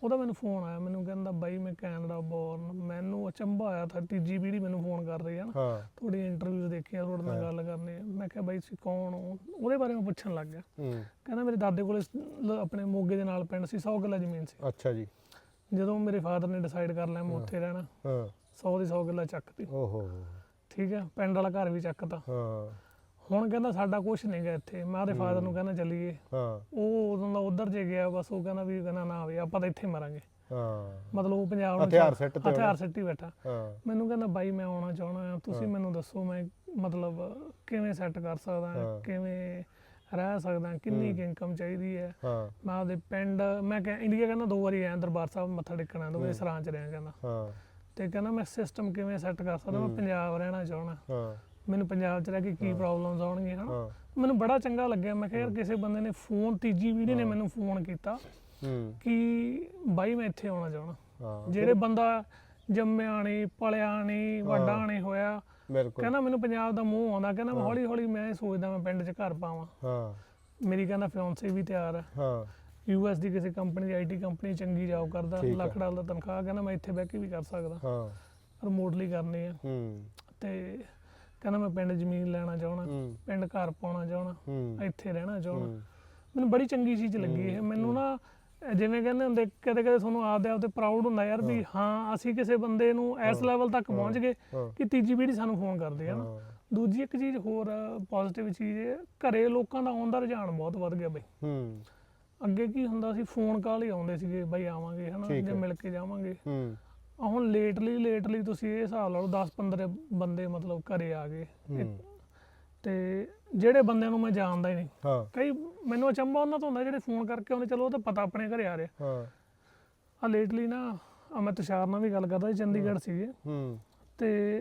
ਉਹਦਾ ਮੈਨੂੰ ਫੋਨ ਆਇਆ, ਮੈਨੂੰ ਕਹਿੰਦਾ ਬਾਈ ਮੈਂ ਕੈਨੇਡਾ ਬੋਰਨ। ਮੈਨੂੰ ਅਚੰਭਾ ਆਇਆ ਤਾਂ ਤੀਜੀ ਪੀੜ੍ਹੀ ਮੈਨੂੰ ਫੋਨ ਕਰ ਰਹੀ ਹੈ ਨਾ, ਹਾਂ ਤੁਹਾਡੀ ਇੰਟਰਵਿਊ ਦੇਖੀਆਂ, ਤੁਹਾਡੇ ਨਾਲ ਗੱਲ ਕਰਨੀ ਹੈ। ਮੈਂ ਕਿਹਾ ਬਾਈ ਤੁਸੀਂ ਕੌਣ ਹੋ? ਉਹਦੇ ਬਾਰੇ ਮੈਂ ਪੁੱਛਣ ਲੱਗ ਗਿਆ। ਹੂੰ ਕਹਿੰਦਾ ਮੇਰੇ ਦਾਦੇ ਕੋਲੇ ਸ- ਆਪਣੇ ਮੋਗੇ ਦੇ ਨਾਲ ਪਿੰਡ ਸੀ, ਸੌ ਕਿੱਲਾ ਜ਼ਮੀਨ ਸੀ। ਅੱਛਾ ਜੀ। ਜਦੋਂ ਮੇਰੇ ਫਾਦਰ ਨੇ ਡਿਸਾਈਡ ਕਰ ਲਿਆ ਮੈਂ ਉੱਥੇ ਰਹਿਣਾ, ਹਾਂ ਸੌ ਦੀ ਸੌ ਕਿੱਲਾ ਚੱਕਤੀ। ਓਹੋ ਠੀਕ ਹੈ, ਪਿੰਡ ਵਾਲਾ ਘਰ ਵੀ ਚੱਕਤਾ। ਹਾਂ ਹੁਣ ਕਹਿੰਦਾ ਸਾਡਾ ਕੁਛ ਨਹੀਂ ਗਾ ਇੱਥੇ। ਮੈਂ ਉਹਦੇ ਫਾਦਰ ਨੂੰ ਕਹਿੰਦਾ ਚੱਲੀਏ। ਹਾਂ ਉਹ ਉਦੋਂ ਦਾ ਉਧਰ ਜੇ ਗਿਆ, ਬਸ ਉਹ ਕਹਿੰਦਾ ਵੀ ਕਹਿੰਦਾ ਨਾ ਵੀ ਆਪਾਂ ਤਾਂ ਇੱਥੇ ਮਰਾਂਗੇ। ਹਾਂ ਮਤਲਬ ਉਹ ਪੰਜਾਬ ਨੂੰ ਹਥਿਆਰ ਸਿੱਟ ਤੇ ਹਥਿਆਰ ਸਿੱਟੀ ਬੈਠਾ। ਹਾਂ ਮੈਨੂੰ ਕਹਿੰਦਾ ਬਾਈ ਮੈਂ ਆਉਣਾ ਚਾਹਣਾ ਆ, ਤੁਸੀਂ ਮੈਨੂੰ ਦੱਸੋ ਮੈਂ ਮਤਲਬ ਕਿਵੇਂ ਸੈੱਟ ਕਰ ਸਕਦਾ, ਕਿਵੇਂ ਰਹਿ ਸਕਦਾ, ਕਿੰਨੀ ਕੁ ਇਨਕਮ ਚਾਹੀਦੀ ਹੈ। ਹਾਂ ਮੈਂ ਉਹਦੇ ਪਿੰਡ, ਮੈਂ ਕਿਹਾ ਇੰਡੀਆ ਕਹਿੰਦਾ ਦੋ ਵਾਰੀ ਆਇਆ ਦਰਬਾਰ ਸਾਹਿਬ ਮੱਥਾ ਟੇਕਣਾ, ਦੋ ਵਾਰੀ ਸਰਾਂ ਚ ਰਿਹਾ ਕਹਿੰਦਾ। ਹਾਂ ਤੇ ਕਹਿੰਦਾ ਮੈਂ ਸਿਸਟਮ ਕਿਵੇਂ ਸੈੱਟ ਕਰ ਸਕਦਾ, ਮੈਂ ਪੰਜਾਬ ਰਹਿਣਾ ਚਾਹਣਾ, ਹਾਂ ਮੈਨੂੰ ਪੰਜਾਬ ਚ ਰਹਿ ਕੇ ਕੀ ਪ੍ਰੋਬਲਮਸ ਆਉਣਗੀਆਂ ਹਨਾ। ਹਾਂ ਮੈਨੂੰ ਬੜਾ ਚੰਗਾ ਲੱਗਿਆ। ਮੈਂ ਕਿਹਾ ਯਾਰ ਕਿਸੇ ਬੰਦੇ ਨੇ ਫੋਨ, ਤੀਜੀ ਪੀੜ੍ਹੀ ਨੇ ਮੈਨੂੰ ਫੋਨ ਕੀਤਾ ਹੂੰ ਕਿ ਬਾਈ ਮੈਂ ਇੱਥੇ ਆਉਣਾ ਚਾਹਣਾ। ਹਾਂ ਜਿਹੜੇ ਬੰਦਾ ਜੰਮਿਆ ਨਹੀਂ, ਪਲਿਆ ਨਹੀਂ, ਵੱਡਾ ਨਹੀਂ ਹੋਇਆ, ਬਿਲਕੁਲ। ਕਹਿੰਦਾ ਮੈਨੂੰ ਪੰਜਾਬ ਦਾ ਮੂੰਹ ਆਉਂਦਾ। ਕਹਿੰਦਾ ਮੈਂ ਹੌਲੀ ਹੌਲੀ ਮੈਂ ਸੋਚਦਾ ਮੈਂ ਪਿੰਡ 'ਚ ਘਰ ਪਾਵਾਂ। ਹਾਂ ਮੇਰੀ ਕਹਿੰਦਾ ਫਿਆਂਸੀ ਵੀ ਤਿਆਰ ਹੈ, ਹਾਂ ਯੂ ਐਸ ਦੀ ਕਿਸੇ ਕੰਪਨੀ ਦੀ, ਆਈ ਟੀ ਕੰਪਨੀ ਚੰਗੀ ਜੌਬ ਕਰਦਾ, ਲੱਖ ਡਾਲਰ ਦਾ ਤਨਖਾਹ। ਕਹਿੰਦਾ ਮੈਂ ਇੱਥੇ ਬਹਿ ਕੇ ਵੀ ਕਰ ਸਕਦਾ, ਹਾਂ ਰਿਮੋਟਲੀ ਕਰਨੀ ਆ। ਹੂੰ ਤੇ ਕਹਿੰਦਾ ਮੈਂ ਪਿੰਡ ਜ਼ਮੀਨ ਲੈਣਾ ਚਾਹਣਾ, ਹੂੰ ਪਿੰਡ ਘਰ ਪਾਉਣਾ ਚਾਹਣਾ, ਹੂੰ ਇੱਥੇ ਰਹਿਣਾ ਚਾਹਣਾ। ਹੂੰ ਮੈਨੂੰ ਬੜੀ ਚੰਗੀ ਚੀਜ਼ ਲੱਗੀ ਇਹ। ਮੈਨੂੰ ਨਾ ਜਿਵੇਂ ਕਹਿੰਦੇ ਹੁੰਦੇ ਕਦੇ ਕਦੇ ਤੁਹਾਨੂੰ ਆਪਦੇ ਆਪ ਤੇ ਪ੍ਰਾਊਡ ਹੁੰਦਾ ਯਾਰ ਵੀ ਹਾਂ ਅਸੀਂ ਕਿਸੇ ਬੰਦੇ ਨੂੰ ਇਸ ਲੈਵਲ ਤੱਕ ਪਹੁੰਚ ਗਏ ਕਿ ਤੀਜੀ ਪੀੜ੍ਹੀ ਸਾਨੂੰ ਫੋਨ ਕਰਦੀ ਹੈ ਨਾ। ਦੂਜੀ ਇੱਕ ਚੀਜ਼ ਹੋਰ ਪੋਜ਼ਿਟਿਵ ਚੀਜ਼ ਇਹ, ਘਰੇ ਲੋਕਾਂ ਦਾ ਆਉਣ ਦਾ ਰੁਝਾਨ ਬਹੁਤ ਵੱਧ ਗਿਆ ਬਈ। ਹੂੰ ਅੱਗੇ ਕੀ ਹੁੰਦਾ ਸੀ, ਫੋਨ ਕਾਲ ਹੀ ਆਉਂਦੇ ਸੀਗੇ ਬਾਈ ਆਵਾਂਗੇ ਹਨਾ, ਜਾਂ ਮਿਲ ਕੇ ਜਾਵਾਂਗੇ। ਹੂੰ ਆ ਹੁਣ ਲੇਟਲੀ ਲੇਟਲੀ ਤੁਸੀਂ ਇਹ ਹਿਸਾਬ ਲਾ ਲਓ ਦਸ ਪੰਦਰਾਂ ਬੰਦੇ ਮਤਲਬ ਘਰੇ ਆ ਗਏ। ਤੇ ਜਿਹੜੇ ਬੰਦਿਆਂ ਨੂੰ ਮੈਂ ਜਾਣਦਾ ਹੀ ਨਹੀਂ, ਹਾਂ ਕਈ ਮੈਨੂੰ ਅਚੰਭਾ ਉਹਨਾਂ ਤੋਂ ਹੁੰਦਾ ਜਿਹੜੇ ਫੋਨ ਕਰਕੇ ਆਉਂਦੇ, ਚਲੋ ਉਹ ਤਾਂ ਪਤਾ ਆਪਣੇ ਘਰੇ ਆ ਰਿਹਾ। ਹਾਂ ਆ ਲੇਟਲੀ ਨਾ ਆ ਮੈਂ ਤੁਸ਼ਾਰ ਨਾਲ ਵੀ ਗੱਲ ਕਰਦਾ ਸੀ, ਚੰਡੀਗੜ੍ਹ ਸੀਗੇ ਹੂੰ ਤੇ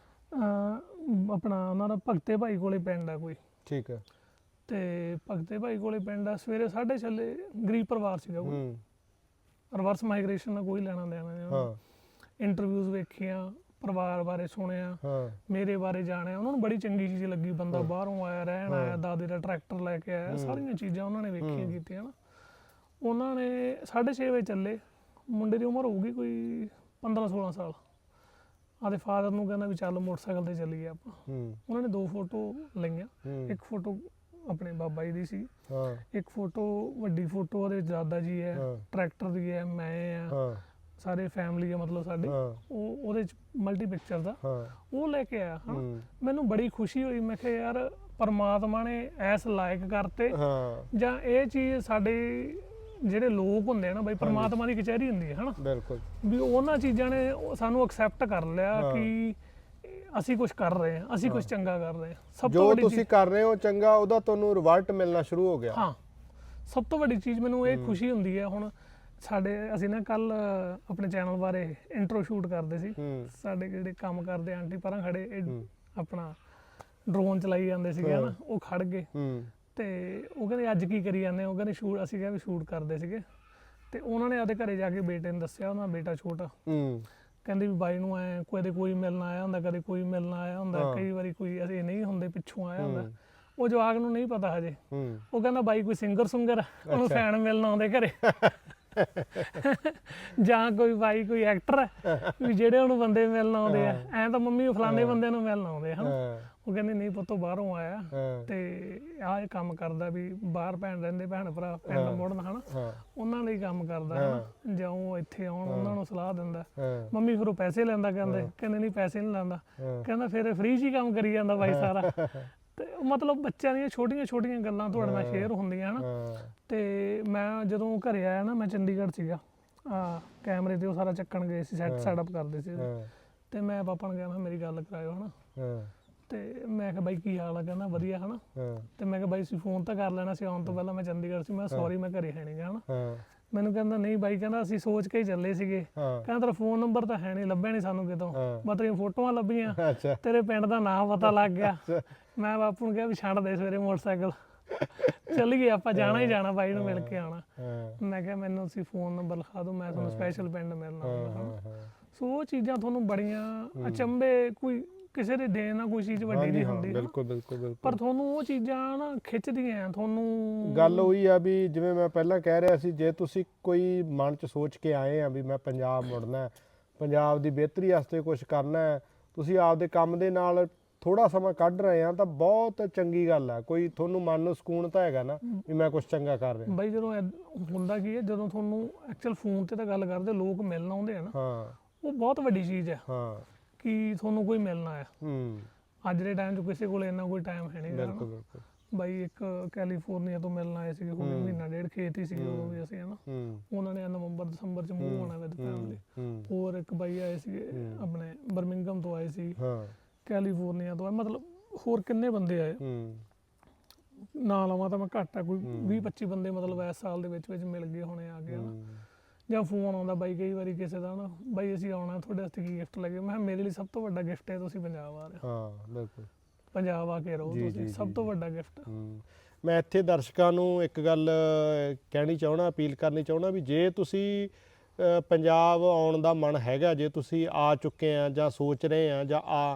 ਅਹ, ਆਪਣਾ ਉਹਨਾਂ ਦਾ ਭਗਤੇ ਭਾਈ ਕੋਲੇ ਪਿੰਡ ਆ ਕੋਈ। ਠੀਕ ਹੈ। ਤੇ ਭਗਤੇ ਭਾਈ ਕੋਲੇ ਪਿੰਡ ਆ, ਸਵੇਰੇ ਸਾਢੇ ਛੇ ਗਰੀਬ ਪਰਿਵਾਰ ਸੀਗਾ ਕੋਈ, ਹੂੰ ਰਿਵਰਸ ਮਾਈਗ੍ਰੇਸ਼ਨ ਦਾ ਕੋਈ ਲੈਣਾ ਦੇਣਾ ਨਹੀਂ। ਹਾਂ ਇੰਟਰਵਿਊਜ਼ ਵੇਖੀਆਂ, ਪਰਿਵਾਰ ਬਾਰੇ ਸੁਣਿਆ, ਹਾਂ ਮੇਰੇ ਬਾਰੇ ਜਾਣਿਆ। ਉਹਨਾਂ ਨੂੰ ਬੜੀ ਚੰਗੀ ਚੀਜ਼ ਲੱਗੀ, ਬੰਦਾ ਬਾਹਰੋਂ ਆਇਆ, ਰਹਿਣ ਆਇਆ, ਦਾਦੇ ਦਾ ਟਰੈਕਟਰ ਲੈ ਕੇ ਆਇਆ, ਸਾਰੀਆਂ ਚੀਜ਼ਾਂ ਉਹਨਾਂ ਨੇ ਵੇਖੀਆਂ ਕੀਤੀਆਂ ਨਾ। ਉਹਨਾਂ ਨੇ ਸਾਢੇ ਛੇ ਵਜੇ ਚੱਲੇ, ਮੁੰਡੇ ਦੀ ਉਮਰ ਹੋਊਗੀ ਕੋਈ ਪੰਦਰਾਂ ਸੋਲਾਂ ਸਾਲ। ਆਦੇ ਫਾਦਰ ਨੂੰ ਕਹਿੰਦਾ ਵੀ ਚੱਲ ਮੋਟਰਸਾਈਕਲ ਤੇ ਚੱਲੀਏ ਆਪਾਂ। ਹੂੰ ਉਹਨਾਂ ਨੇ ਦੋ ਫੋਟੋ ਲਈਆਂ, ਇੱਕ ਫੋਟੋ ਆਪਣੇ ਬਾਬਾ ਜੀ ਦੀ ਸੀ, ਹਾਂ ਇੱਕ ਫੋਟੋ ਵੱਡੀ ਫੋਟੋ ਉਹਦੇ ਦਾਦਾ ਜੀ ਹੈ, ਟਰੈਕਟਰ ਦੀ ਹੈ, ਮੈਂ ਆ, ਹਾਂ ਸਾਰੇ ਫੈਮਿਲੀ ਆ ਮਤਲਬ ਸਾਡੀ। ਉਹ ਉਹਦੇ ਚ ਮਲਟੀ ਪਿਕਚਰ ਦਾ ਹਾਂ ਉਹ ਲੈ ਕੇ ਆਇਆ ਹਾਂ। ਮੈਨੂੰ ਬੜੀ ਖੁਸ਼ੀ ਹੋਈ। ਮੈਂ ਕਿਹਾ ਯਾਰ ਪਰਮਾਤਮਾ ਨੇ ਐਸ ਲਾਇਕ ਕਰਤੇ, ਹਾਂ ਜਾਂ ਇਹ ਚੀਜ਼ ਸਾਡੇ ਜਿਹੜੇ ਲੋਕ ਹੁੰਦੇ ਆ ਨਾ ਬਈ, ਪਰਮਾਤਮਾ ਦੀ ਕਚਹਿਰੀ ਹੁੰਦੀ ਹੈ ਹਨਾ, ਬਿਲਕੁਲ ਵੀ ਉਹਨਾਂ ਚੀਜ਼ਾਂ ਨੇ ਉਹ ਸਾਨੂੰ ਐਕਸੈਪਟ ਕਰ ਲਿਆ ਕਿ ਅਸੀਂ ਕੁਝ ਕਰ ਰਹੇ ਹਾਂ, ਅਸੀਂ ਕੁਝ ਚੰਗਾ ਕਰ ਰਹੇ ਹਾਂ। ਸਭ ਤੋਂ ਜੋ ਵੱਡੀ ਤੁਸੀਂ ਕਰ ਰਹੇ ਹੋ ਚੰਗਾ, ਉਹਦਾ ਤੁਹਾਨੂੰ ਰਿਵਰਟ ਮਿਲਣਾ ਸ਼ੁਰੂ ਹੋ ਗਿਆ। ਹਾਂ, ਸਭ ਤੋਂ ਵੱਡੀ ਚੀਜ਼ ਮੈਨੂੰ ਇਹ ਖੁਸ਼ੀ ਹੁੰਦੀ ਹੈ। ਹੁਣ ਸਾਡੇ ਅਸੀਂ ਨਾ ਕੱਲ ਆਪਣੇ ਚੈਨਲ ਬਾਰੇ ਇੰਟਰੋ ਸ਼ੂਟ ਕਰਦੇ ਸੀ, ਸਾਡੇ ਜਿਹੜੇ ਕੰਮ ਕਰਦੇ ਆਂਟੀ ਪਰਾਂ ਖੜੇ ਇਹ ਆਪਣਾ ਡਰੋਨ ਚਲਾਈ ਜਾਂਦੇ ਸੀਗੇ ਹਨਾ, ਉਹ ਖੜ ਗਏ ਤੇ ਉਹ ਕਹਿੰਦੇ ਅੱਜ ਕੀ ਕਰੀ ਜਾਂਦੇ? ਉਹ ਕਹਿੰਦੇ ਸ਼ੂਟ, ਅਸੀਂ ਕਿਹਾ ਵੀ ਸ਼ੂਟ ਕਰਦੇ ਸੀਗੇ। ਤੇ ਉਹਨਾਂ ਨੇ ਆਪਦੇ ਘਰੇ ਜਾ ਕੇ ਬੇਟੇ ਨੂੰ ਦੱਸਿਆ, ਉਹਨਾਂ ਦਾ ਬੇਟਾ ਛੋਟਾ, ਕਹਿੰਦੇ ਵੀ ਬਾਈ ਨੂੰ ਐ ਕਦੇ ਕੋਈ ਮਿਲਣ ਆਇਆ ਹੁੰਦਾ, ਕਦੇ ਕੋਈ ਮਿਲਣ ਆਇਆ ਹੁੰਦਾ, ਕਈ ਵਾਰੀ ਕੋਈ ਅਸੀਂ ਨਹੀਂ ਹੁੰਦੇ ਪਿੱਛੋਂ ਆਇਆ ਹੁੰਦਾ। ਉਹ ਜਵਾਕ ਨੂੰ ਨਹੀਂ ਪਤਾ ਹਜੇ, ਉਹ ਕਹਿੰਦਾ ਬਾਈ ਕੋਈ ਸਿੰਗਰ ਸੁੰਗਰ ਉਹਨੂੰ ਫੈਨ ਮਿਲਣ ਆਉਂਦੇ ਘਰੇ ਜਾਂ ਕੋਈ ਬਾਈ ਕੋਈ ਐਕਟਰ ਹੈ ਵੀ ਜਿਹੜੇ ਉਹਨੂੰ ਬੰਦੇ ਮਿਲਣ ਆਉਂਦੇ ਆ, ਐਂ ਤਾਂ ਮੰਮੀ ਫਲਾਣੇ ਬੰਦੇ ਨੂੰ ਮਿਲਣ ਆਉਂਦੇ ਹਨ। ਉਹ ਕਹਿੰਦੇ ਨਹੀਂ ਪੁੱਤੋਂ ਬਾਹਰੋਂ ਆਇਆ ਤੇ ਆਹ ਇਹ ਕੰਮ ਕਰਦਾ, ਵੀ ਬਾਹਰ ਭੈਣ ਰਹਿੰਦੇ ਭੈਣ ਭਰਾ ਪਿੰਡ ਮੁੜਨ ਹਨਾ, ਉਹਨਾਂ ਲਈ ਕੰਮ ਕਰਦਾ ਹਨਾ, ਜਾਂ ਉਹ ਇੱਥੇ ਆਉਣ ਉਹਨਾਂ ਨੂੰ ਸਲਾਹ ਦਿੰਦਾ। ਮੰਮੀ ਫਿਰ ਉਹ ਪੈਸੇ ਲੈਂਦਾ, ਕਹਿੰਦੇ ਕਹਿੰਦੇ ਨਹੀਂ ਪੈਸੇ ਨਹੀਂ ਲੈਂਦਾ, ਕਹਿੰਦਾ ਫਿਰ ਫ੍ਰੀ 'ਚ ਹੀ ਕੰਮ ਕਰੀ ਜਾਂਦਾ ਬਾਈ ਸਾਰਾ। ਤੇ ਮਤਲਬ ਬੱਚਿਆਂ ਦੀਆਂ ਛੋਟੀਆਂ ਛੋਟੀਆਂ ਗੱਲਾਂ ਤੁਹਾਡੇ ਨਾਲ ਸ਼ੇਅਰ ਹੁੰਦੀਆਂ ਹਨਾ। ਤੇ ਮੈਂ ਜਦੋਂ ਘਰੇ ਆਇਆ ਨਾ, ਮੈਂ ਚੰਡੀਗੜ੍ਹ ਸੀਗਾ, ਆ ਕੈਮਰੇ ਤੇ ਉਹ ਸਾਰਾ ਚੱਕਣ ਗਏ ਸੀ, ਸੈਟ ਸੈਟਅਪ ਕਰਦੇ ਸੀ। ਤੇ ਮੈਂ ਪਾਪਾ ਨੂੰ ਕਿਹਾ ਮੈਂ ਮੇਰੀ ਗੱਲ ਕਰਾਇਓ ਹਨਾ। ਤੇ ਮੈਂ ਕਿਹਾ ਬਾਈ ਕੀ ਹਾਲ ਆ? ਕਹਿੰਦਾ ਵਧੀਆ ਹਨਾ। ਤੇ ਮੈਂ ਕਿਹਾ ਬਾਈ ਤੁਸੀਂ ਫੋਨ ਤਾਂ ਕਰ ਲੈਣਾ ਸੀ ਆਉਣ ਤੋਂ ਪਹਿਲਾਂ, ਮੈਂ ਚੰਡੀਗੜ੍ਹ ਸੀ। ਮੈਂ ਸੌਰੀ ਮੈਂ ਘਰੇ ਹੈ ਨਹੀਂ ਗਾ ਹਨਾ। ਮੈਨੂੰ ਕਹਿੰਦਾ ਨਹੀਂ ਬਾਈ, ਕਹਿੰਦਾ ਅਸੀਂ ਸੋਚ ਕੇ ਹੀ ਚੱਲੇ ਸੀਗੇ, ਕਹਿੰਦਾ ਤੇਰਾ ਫੋਨ ਨੰਬਰ ਤਾਂ ਹੈ ਨਹੀਂ, ਲੱਭਿਆ ਨਹੀਂ ਸਾਨੂੰ ਕਿਤੋਂ, ਮੈਂ ਤੇਰੀਆਂ ਫੋਟੋਆਂ ਲੱਭੀਆਂ, ਤੇਰੇ ਪਿੰਡ ਦਾ ਨਾਮ ਪਤਾ ਲੱਗ ਗਿਆ। ਮੈਂ ਬਾਪੂ ਨੂੰ ਕਿਹਾ ਵੀ ਛੱਡ ਦੇ ਸਵੇਰੇ ਮੋਟਰਸਾਈਕਲ, ਚੱਲ ਗਏ ਆਪਾਂ, ਜਾਣਾ ਹੀ ਜਾਣਾ, ਬਾਈ ਨੂੰ ਮਿਲ ਕੇ ਆਉਣਾ। ਮੈਂ ਕਿਹਾ ਮੈਨੂੰ ਤੁਸੀਂ ਫੋਨ ਨੰਬਰ ਲਿਖਾ ਦਿਓ, ਮੈਂ ਤੁਹਾਨੂੰ ਸਪੈਸ਼ਲ ਪਿੰਡ ਮਿਲਣਾ ਹੁੰਦਾ ਹਨਾ। ਸੋ ਉਹ ਚੀਜ਼ਾਂ ਤੁਹਾਨੂੰ ਬੜੀਆਂ ਅਚੰਭੇ, ਕੋਈ ਕਿਸੇ ਦੇ ਦੇਣ ਨਾਲ ਕੋਈ ਚੀਜ਼ ਵੱਡੀ ਹਾਂਜੀ ਨਹੀਂ ਹਾਂ ਹੁੰਦੀ, ਬਿਲਕੁਲ ਬਿਲਕੁਲ ਬਿਲਕੁਲ। ਪਰ ਤੁਹਾਨੂੰ ਉਹ ਚੀਜ਼ਾਂ ਨਾ ਖਿੱਚਦੀਆਂ ਤੁਹਾਨੂੰ। ਗੱਲ ਉਹੀ ਆ ਵੀ ਜਿਵੇਂ ਮੈਂ ਪਹਿਲਾਂ ਕਹਿ ਰਿਹਾ ਸੀ, ਜੇ ਤੁਸੀਂ ਕੋਈ ਮਨ 'ਚ ਸੋਚ ਕੇ ਆਏ ਆ ਵੀ ਮੈਂ ਪੰਜਾਬ ਮੁੜਨਾ, ਪੰਜਾਬ ਦੀ ਬਿਹਤਰੀ ਵਾਸਤੇ ਕੁਝ ਕਰਨਾ ਹੈ, ਤੁਸੀਂ ਆਪਦੇ ਕੰਮ ਦੇ ਨਾਲ ਥੋੜਾ ਸਮਾਂ ਕੱਢ ਰਹੇ ਆ ਤਾਂ ਬਹੁਤ ਚੰਗੀ ਗੱਲ ਆ। ਕੋਈ ਤੁਹਾਨੂੰ ਮਨ ਨੂੰ ਸਕੂਨ ਤਾਂ ਹੈਗਾ ਨਾ ਵੀ ਮੈਂ ਕੁਝ ਚੰਗਾ ਕਰ ਰਿਹਾ। ਬਾਈ ਜਦੋਂ ਐਦ- ਹੁੰਦਾ ਕੀ ਹੈ, ਜਦੋਂ ਤੁਹਾਨੂੰ ਐਕਚੁਅਲ ਫੋਨ ਤੇ ਤਾਂ ਗੱਲ ਕਰਦੇ, ਲੋਕ ਮਿਲਣ ਆਉਂਦੇ ਆ ਨਾ, ਹਾਂ ਉਹ ਬਹੁਤ ਵੱਡੀ ਚੀਜ਼ ਹੈ ਹਾਂ ਕਿ ਤੁਹਾਨੂੰ ਕੋਈ ਮਿਲਣਾ ਆ। ਹੂੰ ਅੱਜ ਦੇ ਟਾਈਮ 'ਚ ਕਿਸੇ ਕੋਲ ਇੰਨਾ ਕੋਈ ਟਾਈਮ ਹੈ ਨਹੀਂ ਗਾ ਬਿਲਕੁਲ ਨਾ। ਬਿਲਕੁਲ। ਬਾਈ ਇੱਕ ਕੈਲੀਫੋਰਨੀਆ ਤੋਂ ਮਿਲਣ ਆਏ ਸੀਗੇ, ਹੁਣ ਮਹੀਨਾ ਡੇਢ ਖੇਤ ਹੀ ਸੀਗੇ ਉਦੋਂ ਵੀ ਅਸੀਂ, ਹੈ ਨਾ। ਹੂੰ ਉਹਨਾਂ ਨੇ ਨਵੰਬਰ ਦਸੰਬਰ 'ਚ ਮੂਵ ਹੋਣਾ ਵਿਦ ਫੈਮਿਲੀ। ਹੂੰ ਹੋਰ ਇੱਕ ਬਾਈ ਆਏ ਸੀਗੇ ਆਪਣੇ ਬਰਮਿੰਗਮ ਤੋਂ ਆਏ ਸੀ, ਹਾਂ ਕੈਲੀਫੋਰਨੀਆ ਤੋਂ ਆਏ, ਮਤਲਬ ਹੋਰ ਕਿੰਨੇ ਬੰਦੇ ਆਏ, ਹੂੰ ਨਾ ਲਵਾਂ ਤਾਂ ਮੈਂ ਘੱਟ ਆ, ਕੋਈ ਵੀਹ ਪੱਚੀ ਬੰਦੇ ਮਤਲਬ ਇਸ ਸਾਲ ਦੇ ਵਿੱਚ ਵਿੱਚ ਮਿਲ ਗਏ ਹੋਣੇ ਆ ਗਏ ਨਾ। ਜਾਂ ਫੋਨ ਆਉਂਦਾ ਬਾਈ ਕਈ ਵਾਰੀ ਕਿਸੇ ਦਾ ਨਾ, ਬਾਈ ਅਸੀਂ ਆਉਣਾ ਤੁਹਾਡੇ ਵਾਸਤੇ ਕੀ ਗਿਫਟ ਲੱਗੇ। ਮੈਂ ਕਿਹਾ ਮੇਰੇ ਲਈ ਸਭ ਤੋਂ ਵੱਡਾ ਗਿਫਟ ਹੈ ਤੁਸੀਂ ਪੰਜਾਬ ਆ ਰਹੇ ਹੋ, ਹਾਂ ਬਿਲਕੁਲ ਪੰਜਾਬ ਆ ਕੇ ਰਹੋ ਤੁਸੀਂ, ਸਭ ਤੋਂ ਵੱਡਾ ਗਿਫਟ। ਮੈਂ ਇੱਥੇ ਦਰਸ਼ਕਾਂ ਨੂੰ ਇੱਕ ਗੱਲ ਕਹਿਣੀ ਚਾਹਣਾ, ਅਪੀਲ ਕਰਨੀ ਚਾਹਣਾ ਵੀ ਜੇ ਤੁਸੀਂ ਅ, ਪੰਜਾਬ ਆਉਣ ਦਾ ਮਨ ਹੈਗਾ, ਜੇ ਤੁਸੀਂ ਆ ਚੁੱਕੇ ਆ ਜਾਂ ਸੋਚ ਰਹੇ ਆ ਜਾਂ ਆ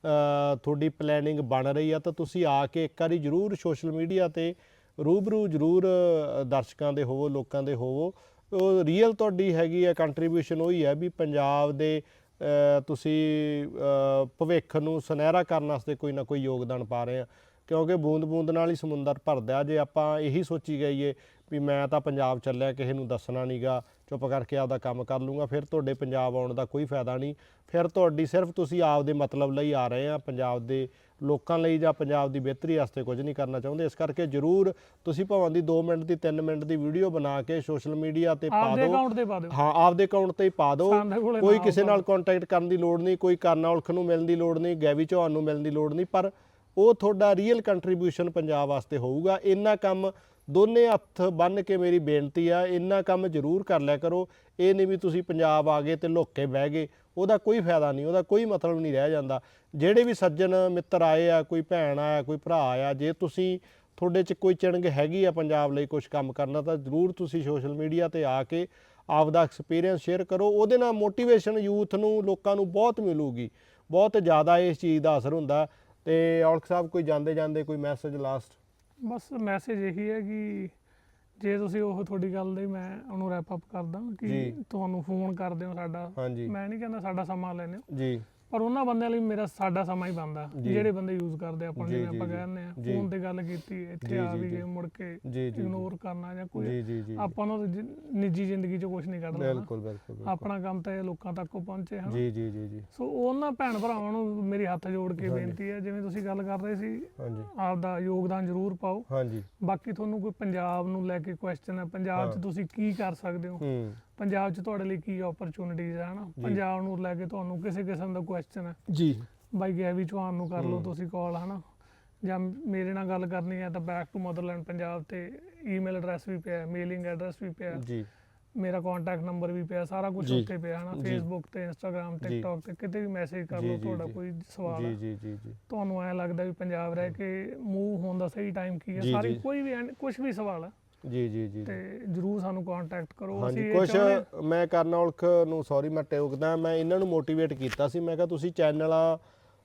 ਅ, ਤੁਹਾਡੀ ਪਲੈਨਿੰਗ ਬਣ ਰਹੀ ਆ, ਤਾਂ ਤੁਸੀਂ ਆ ਕੇ ਇੱਕ ਵਾਰੀ ਜ਼ਰੂਰ ਸੋਸ਼ਲ ਮੀਡੀਆ 'ਤੇ ਰੂਬਰੂ ਜ਼ਰੂਰ ਅ, ਦਰਸ਼ਕਾਂ ਦੇ ਹੋਵੋ, ਲੋਕਾਂ ਦੇ ਹੋਵੋ। ਉਹ ਰੀਅਲ ਤੁਹਾਡੀ ਹੈਗੀ ਆ ਕੰਟਰੀਬਿਊਸ਼ਨ ਉਹੀ ਹੈ ਵੀ ਪੰਜਾਬ ਦੇ ਅ, ਤੁਸੀਂ ਅ, ਭਵਿੱਖ ਨੂੰ ਸੁਨਹਿਰਾ ਕਰਨ ਵਾਸਤੇ ਕੋਈ ਨਾ ਕੋਈ ਯੋਗਦਾਨ ਪਾ ਰਹੇ ਆ, ਕਿਉਂਕਿ ਬੂੰਦ ਬੂੰਦ ਨਾਲ ਹੀ ਸਮੁੰਦਰ ਭਰਦਾ। ਜੇ ਆਪਾਂ ਇਹੀ ਸੋਚੀ ਗਈਏ ਵੀ ਮੈਂ ਤਾਂ ਪੰਜਾਬ ਚੱਲਿਆ, ਕਿਸੇ ਨੂੰ ਦੱਸਣਾ ਨਹੀਂ ਗਾ, ਚੁੱਪ ਕਰਕੇ ਆਪਦਾ ਕੰਮ ਕਰ ਲੂੰਗਾ, ਫਿਰ ਤੁਹਾਡੇ ਪੰਜਾਬ ਆਉਣ ਦਾ ਕੋਈ ਫਾਇਦਾ ਨਹੀਂ। ਫਿਰ ਤੁਹਾਡੀ ਸਿਰਫ ਤੁਸੀਂ ਆਪਦੇ ਮਤਲਬ ਲਈ ਆ ਰਹੇ ਆ, ਪੰਜਾਬ ਦੇ ਲੋਕਾਂ ਲਈ ਜਾਂ ਪੰਜਾਬ ਦੀ ਬਿਹਤਰੀ ਵਾਸਤੇ ਕੁਝ ਨਹੀਂ ਕਰਨਾ ਚਾਹੁੰਦੇ। ਇਸ ਕਰਕੇ ਜ਼ਰੂਰ ਤੁਸੀਂ ਭਾਵੇਂ ਦੀ ਦੋ ਮਿੰਟ ਦੀ ਤਿੰਨ ਮਿੰਟ ਦੀ ਵੀਡੀਓ ਬਣਾ ਕੇ ਸੋਸ਼ਲ ਮੀਡੀਆ ਤੇ ਪਾ ਆਪਦੇ ਦਿਓ। ਅਕਾਊਂਟ ਤੇ ਪਾ ਦਿਓ, ਹਾਂ ਆਪਦੇ ਅਕਾਊਂਟ ਤੇ ਹੀ ਪਾ ਦਿਓ। ਸਾਡੇ ਕੋਲੇ ਕੋਈ ਨਾ ਕਿਸੇ ਹੋਊਗਾ। ਨਾਲ ਕੰਟੈਕਟ ਕਰਨ ਦੀ ਲੋੜ ਨਹੀਂ, ਕੋਈ ਕਰਨਾ ਉਲਖ ਨੂੰ ਮਿਲਣ ਦੀ ਲੋੜ ਨਹੀਂ, ਗੈਵੀ ਚੌਹਾਨ ਨੂੰ ਮਿਲਣ ਦੀ ਲੋੜ ਨਹੀਂ, ਪਰ ਉਹ ਤੁਹਾਡਾ ਰੀਅਲ ਕੰਟਰੀਬਿਊਸ਼ਨ ਪੰਜਾਬ ਵਾਸਤੇ ਹੋਊਗਾ। ਇੰਨਾ ਕੰਮ ਦੋਨੇ ਹੱਥ ਬੰਨ੍ਹ ਕੇ ਮੇਰੀ ਬੇਨਤੀ ਆ, ਇੰਨਾ ਕੰਮ ਜ਼ਰੂਰ ਕਰ ਲਿਆ ਕਰੋ। ਇਹ ਨਹੀਂ ਵੀ ਤੁਸੀਂ ਪੰਜਾਬ ਆ ਗਏ ਤੇ ਲੁੱਕ ਕੇ ਬਹਿ ਗਏ, ਉਹਦਾ ਕੋਈ ਫਾਇਦਾ ਨਹੀਂ, ਉਹਦਾ ਕੋਈ ਮਤਲਬ ਨਹੀਂ ਰਹਿ ਜਾਂਦਾ। ਜਿਹੜੇ ਵੀ ਸੱਜਣ ਮਿੱਤਰ ਆਏ ਆ, ਕੋਈ ਭੈਣ ਆਇਆ, ਕੋਈ ਭਰਾ ਆਇਆ, ਜੇ ਤੁਸੀਂ ਤੁਹਾਡੇ 'ਚ ਕੋਈ ਚਿਣਗ ਹੈਗੀ ਆ ਪੰਜਾਬ ਲਈ ਕੁਝ ਕੰਮ ਕਰਨਾ, ਤਾਂ ਜ਼ਰੂਰ ਤੁਸੀਂ ਸੋਸ਼ਲ ਮੀਡੀਆ 'ਤੇ ਆ ਕੇ ਆਪਦਾ ਐਕਸਪੀਰੀਅੰਸ ਸ਼ੇਅਰ ਕਰੋ। ਉਹਦੇ ਨਾਲ ਮੋਟੀਵੇਸ਼ਨ ਯੂਥ ਨੂੰ, ਲੋਕਾਂ ਨੂੰ ਬਹੁਤ ਮਿਲੂਗੀ, ਬਹੁਤ ਜ਼ਿਆਦਾ ਇਸ ਚੀਜ਼ ਦਾ ਅਸਰ ਹੁੰਦਾ। ਤੇ ਔਲਖ ਸਾਹਿਬ ਕੋਈ ਜਾਂਦੇ ਜਾਂਦੇ ਕੋਈ ਮੈਸੇਜ ਲਾਸਟ? ਬਸ ਮੈਸੇਜ ਇਹੀ ਹੈ ਕਿ ਜੇ ਤੁਸੀਂ ਉਹ ਤੁਹਾਡੀ ਗੱਲ ਦੇ, ਮੈਂ ਉਹਨੂੰ ਰੈਪ ਅਪ ਕਰਦਾ ਕਿ ਤੁਹਾਨੂੰ ਫੋਨ ਕਰਦੇ ਹੋ ਸਾਡਾ, ਮੈਂ ਨਹੀਂ ਕਹਿੰਦਾ ਸਾਡਾ ਸਮਾਂ ਲੈਣੇ ਹੋ ਜੀ, ਪਰ ਉਹਨਾਂ ਬੰਦਿਆਂ ਲਈ ਮੇਰਾ ਸਾਡਾ ਸਮਾਂ ਹੀ ਬਣਦਾ ਜਿਹੜੇ ਬੰਦੇ ਯੂਜ਼ ਕਰਦੇ ਆਪਾਂ, ਜਿਵੇਂ ਆਪਾਂ ਕਹਿੰਦੇ ਆ ਫੋਨ ਤੇ ਗੱਲ ਕੀਤੀ, ਇੱਥੇ ਆ ਵੀ ਗਏ, ਮੁੜ ਕੇ ਇਗਨੋਰ ਕਰਨਾ ਜਾਂ ਕੋਈ ਆਪਾਂ ਨੂੰ ਨਿੱਜੀ ਜ਼ਿੰਦਗੀ 'ਚ ਕੁਝ ਨਹੀਂ ਕੱਢਣਾ। ਬਿਲਕੁਲ ਬਿਲਕੁਲ ਆਪਣਾ ਕੰਮ ਤਾਂ ਇਹ ਲੋਕਾਂ ਤੱਕ ਪਹੁੰਚੇ ਹਨ। ਜੀ ਜੀ ਜੀ ਜੀ ਸੋ ਉਹਨਾਂ ਭੈਣ ਭਰਾਵਾਂ ਨੂੰ ਮੇਰੀ ਹੱਥ ਜੋੜ ਕੇ ਬੇਨਤੀ ਹੈ, ਜਿਵੇਂ ਤੁਸੀਂ ਗੱਲ ਕਰ ਰਹੇ ਸੀ, ਆਪਦਾ ਯੋਗਦਾਨ ਜ਼ਰੂਰ ਪਾਓ। ਬਾਕੀ ਤੁਹਾਨੂੰ ਕੋਈ ਪੰਜਾਬ ਨੂੰ ਲੈ ਕੇ ਕੁਐਸਚਨ ਹੈ, ਪੰਜਾਬ 'ਚ ਤੁਸੀਂ ਕੀ ਕਰ ਸਕਦੇ ਹੋ, ਪੰਜਾਬ 'ਚ ਤੁਹਾਡੇ ਲਈ ਕੀ ਓਪਰਚੁਨਿਟੀਜ਼ ਹੈ ਨਾ, ਪੰਜਾਬ ਨੂੰ ਲੈ ਕੇ ਤੁਹਾਨੂੰ ਕਿਸੇ ਕਿਸਮ ਦਾ ਕੁਐਸਚਨ ਹੈ ਜੀ, ਬਾਈ ਗੈਵੀ ਚੌਹਾਨ ਨੂੰ ਕਰ ਲਓ ਤੁਸੀਂ ਕਾਲ, ਹੈ ਨਾ, ਜਾਂ ਮੇਰੇ ਨਾਲ ਗੱਲ ਕਰਨੀ ਹੈ ਤਾਂ ਬੈਕ ਟੂ ਮਦਰਲੈਂਡ ਪੰਜਾਬ ਤੇ ਈਮੇਲ ਐਡਰੈਸ ਵੀ ਪਿਆ, ਮੇਲਿੰਗ ਐਡਰੈਸ ਵੀ ਪਿਆ ਜੀ, ਮੇਰਾ ਕੰਟੈਕਟ ਨੰਬਰ ਵੀ ਪਿਆ, ਸਾਰਾ ਕੁਝ ਉੱਥੇ ਪਿਆ ਹੈ ਨਾ। ਫੇਸਬੁੱਕ ਤੇ, ਇੰਸਟਾਗ੍ਰਾਮ, ਟਿਕਟੌਕ ਤੇ ਕਿਤੇ ਵੀ ਮੈਸੇਜ ਕਰ ਲਓ, ਤੁਹਾਡਾ ਕੋਈ ਸਵਾਲ ਹੈ, ਤੁਹਾਨੂੰ ਐਂ ਲੱਗਦਾ ਵੀ ਪੰਜਾਬ ਰਹਿ ਕੇ ਮੂਵ ਹੋਣ ਦਾ ਸਹੀ ਟਾਈਮ ਕੀ ਹੈ, ਸਾਰੀ ਕੋਈ ਵੀ ਕੁਝ ਵੀ ਸਵਾਲ ਹੈ ਜੀ ਜੀ ਜੀ ਤੇ ਜਰੂਰ ਸਾਨੂੰ ਕੰਟੈਕਟ ਕਰੋ। ਅਸੀਂ ਕੁਝ ਮੈਂ ਕਰਨਾ ਔਲਖ ਨੂੰ ਸੌਰੀ ਮੈਂ ਟੋਕਦਾ, ਮੈਂ ਇਹਨਾਂ ਨੂੰ ਮੋਟੀਵੇਟ ਕੀਤਾ ਸੀ, ਮੈਂ ਕਿਹਾ ਤੁਸੀਂ ਚੈਨਲਾਂ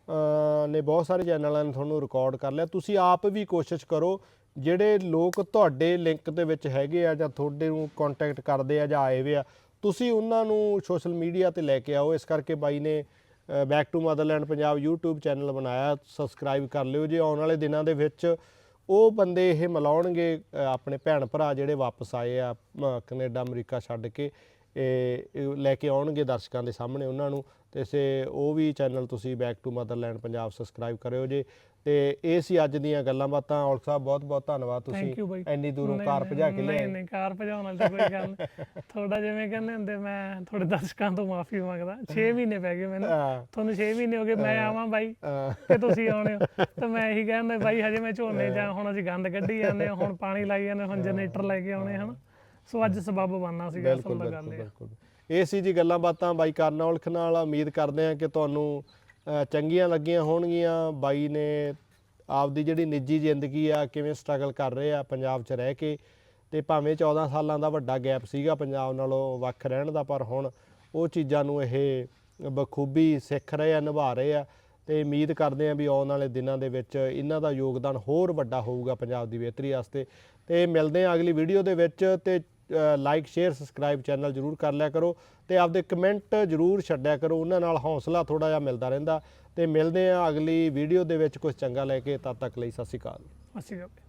ਨੇ ਬਹੁਤ ਸਾਰੇ ਚੈਨਲਾਂ ਨੇ ਤੁਹਾਨੂੰ ਰਿਕਾਰਡ ਕਰ ਲਿਆ, ਤੁਸੀਂ ਆਪ ਵੀ ਕੋਸ਼ਿਸ਼ ਕਰੋ, ਜਿਹੜੇ ਲੋਕ ਤੁਹਾਡੇ ਲਿੰਕ ਦੇ ਵਿੱਚ ਹੈਗੇ ਆ ਜਾਂ ਤੁਹਾਡੇ ਨੂੰ ਕੰਟੈਕਟ ਕਰਦੇ ਆ ਜਾਂ ਆਏ ਵੇ ਆ, ਤੁਸੀਂ ਉਹਨਾਂ ਨੂੰ ਸੋਸ਼ਲ ਮੀਡੀਆ 'ਤੇ ਲੈ ਕੇ ਆਓ। ਇਸ ਕਰਕੇ ਬਾਈ ਨੇ back to motherland Punjab YouTube channel ਬਣਾਇਆ, ਸਬਸਕ੍ਰਾਈਬ ਕਰ ਲਿਓ ਜੇ। ਆਉਣ ਵਾਲੇ ਦਿਨਾਂ ਦੇ ਵਿੱਚ ਉਹ ਬੰਦੇ ਇਹ ਮਿਲਾਉਣਗੇ ਆਪਣੇ ਭੈਣ ਭਰਾ ਜਿਹੜੇ ਵਾਪਸ ਆਏ ਆ ਕੈਨੇਡਾ ਅਮਰੀਕਾ ਛੱਡ ਕੇ, ਇਹ ਲੈ ਕੇ ਆਉਣਗੇ ਦਰਸ਼ਕਾਂ ਦੇ ਸਾਹਮਣੇ ਉਹਨਾਂ ਨੂੰ, ਅਤੇ ਸੇ ਉਹ ਵੀ ਚੈਨਲ ਤੁਸੀਂ back to motherland Punjab subscribe ਕਰਿਓ ਜੇ। ਤੇ ਇਹ ਸੀ ਅੱਜ ਦੀਆਂ ਗੱਲਾਂ ਬਾਤਾਂ। ਔਲਖ ਸਾਹਿਬ ਬਹੁਤ ਬਹੁਤ ਧੰਨਵਾਦ, ਤੁਸੀਂ ਇੰਨੀ ਦੂਰੋਂ ਕਾਰ ਭਜਾ ਕੇ ਲਿਆਏ। ਨਹੀਂ ਕਾਰ ਭਜਾਉਣ ਵਾਲੀ ਤਾਂ ਕੋਈ ਗੱਲ ਨਹੀਂ, ਥੋੜਾ ਜਿਵੇਂ ਕਹਿੰਦੇ ਹੁੰਦੇ, ਮੈਂ ਤੁਹਾਡੇ ਦਰਸ਼ਕਾਂ ਤੋਂ ਮਾਫੀ ਮੰਗਦਾ, ਛੇ ਮਹੀਨੇ ਪੈ ਗਏ ਮੈਨੂੰ, ਤੁਹਾਨੂੰ ਛੇ ਮਹੀਨੇ ਹੋ ਗਏ ਮੈਂ ਆਵਾਂ ਬਾਈ ਕਿ ਤੁਸੀਂ ਆਉਣੇ ਹੋ, ਤਾਂ ਮੈਂ ਇਹੀ ਕਹਿੰਦਾ ਬਾਈ ਹਜੇ ਮੈਂ ਝੋਨੇ ਜਾਂ ਹੁਣ ਅਸੀਂ ਗੰਦ ਕੱਢੀ ਜਾਂਦੇ ਹਾਂ, ਹੁਣ ਪਾਣੀ ਲਾਈ ਜਾਂਦੇ, ਹੁਣ ਜਨਰੇਟਰ ਲੈ ਕੇ ਆਉਣੇ ਹਨ। ਸੋ ਅੱਜ ਸਬੱਬ ਬਣਨਾ ਸੀਗਾ, ਅਸਲ ਦਾ ਗੱਲ ਇਹ ਇਹ ਸੀ ਜੀ ਗੱਲਾਂ ਬਾਤਾਂ ਬਾਈ ਕਰਨਾ ਔਲਖ ਨਾਲ। ਉਮੀਦ ਕਰਦੇ ਹਾਂ ਕਿ ਤੁਹਾਨੂੰ ਚੰਗੀਆਂ ਲੱਗੀਆਂ ਹੋਣਗੀਆਂ। ਬਾਈ ਨੇ ਆਪਦੀ ਜਿਹੜੀ ਨਿੱਜੀ ਜ਼ਿੰਦਗੀ ਆ, ਕਿਵੇਂ ਸਟਰਗਲ ਕਰ ਰਹੇ ਆ ਪੰਜਾਬ 'ਚ ਰਹਿ ਕੇ, ਅਤੇ ਭਾਵੇਂ ਚੌਦਾਂ ਸਾਲਾਂ ਦਾ ਵੱਡਾ ਗੈਪ ਸੀਗਾ ਪੰਜਾਬ ਨਾਲੋਂ ਵੱਖ ਰਹਿਣ ਦਾ, ਪਰ ਹੁਣ ਉਹ ਚੀਜ਼ਾਂ ਨੂੰ ਇਹ ਬਖੂਬੀ ਸਿੱਖ ਰਹੇ ਆ, ਨਿਭਾ ਰਹੇ ਆ। ਤੇ ਉਮੀਦ ਕਰਦੇ ਹਾਂ ਵੀ ਆਉਣ ਵਾਲੇ ਦਿਨਾਂ ਦੇ ਵਿੱਚ ਇਹਨਾਂ ਦਾ ਯੋਗਦਾਨ ਹੋਰ ਵੱਡਾ ਹੋਊਗਾ ਪੰਜਾਬ ਦੀ ਬਿਹਤਰੀ ਵਾਸਤੇ। ਤੇ ਮਿਲਦੇ ਹਾਂ ਅਗਲੀ ਵੀਡੀਓ ਦੇ ਵਿੱਚ। ਤੇ ਲਾਈਕ ਸ਼ੇਅਰ ਸਬਸਕ੍ਰਾਈਬ ਚੈਨਲ ਜ਼ਰੂਰ ਕਰ ਲਿਆ ਕਰੋ ਤੇ ਆਪਦੇ ਕਮੈਂਟ ਜ਼ਰੂਰ ਛੱਡਿਆ ਕਰੋ, ਉਹਨਾਂ ਨਾਲ ਹੌਸਲਾ ਥੋੜ੍ਹਾ ਜਿਹਾ ਮਿਲਦਾ ਰਹਿੰਦਾ। ਤੇ ਮਿਲਦੇ ਹਾਂ ਅਗਲੀ ਵੀਡੀਓ ਦੇ ਵਿੱਚ ਕੁਝ ਚੰਗਾ ਲੈ ਕੇ। ਤਦ ਤੱਕ ਲਈ ਸਤਿ ਸ਼੍ਰੀ ਅਕਾਲ। ਅਸੀਂ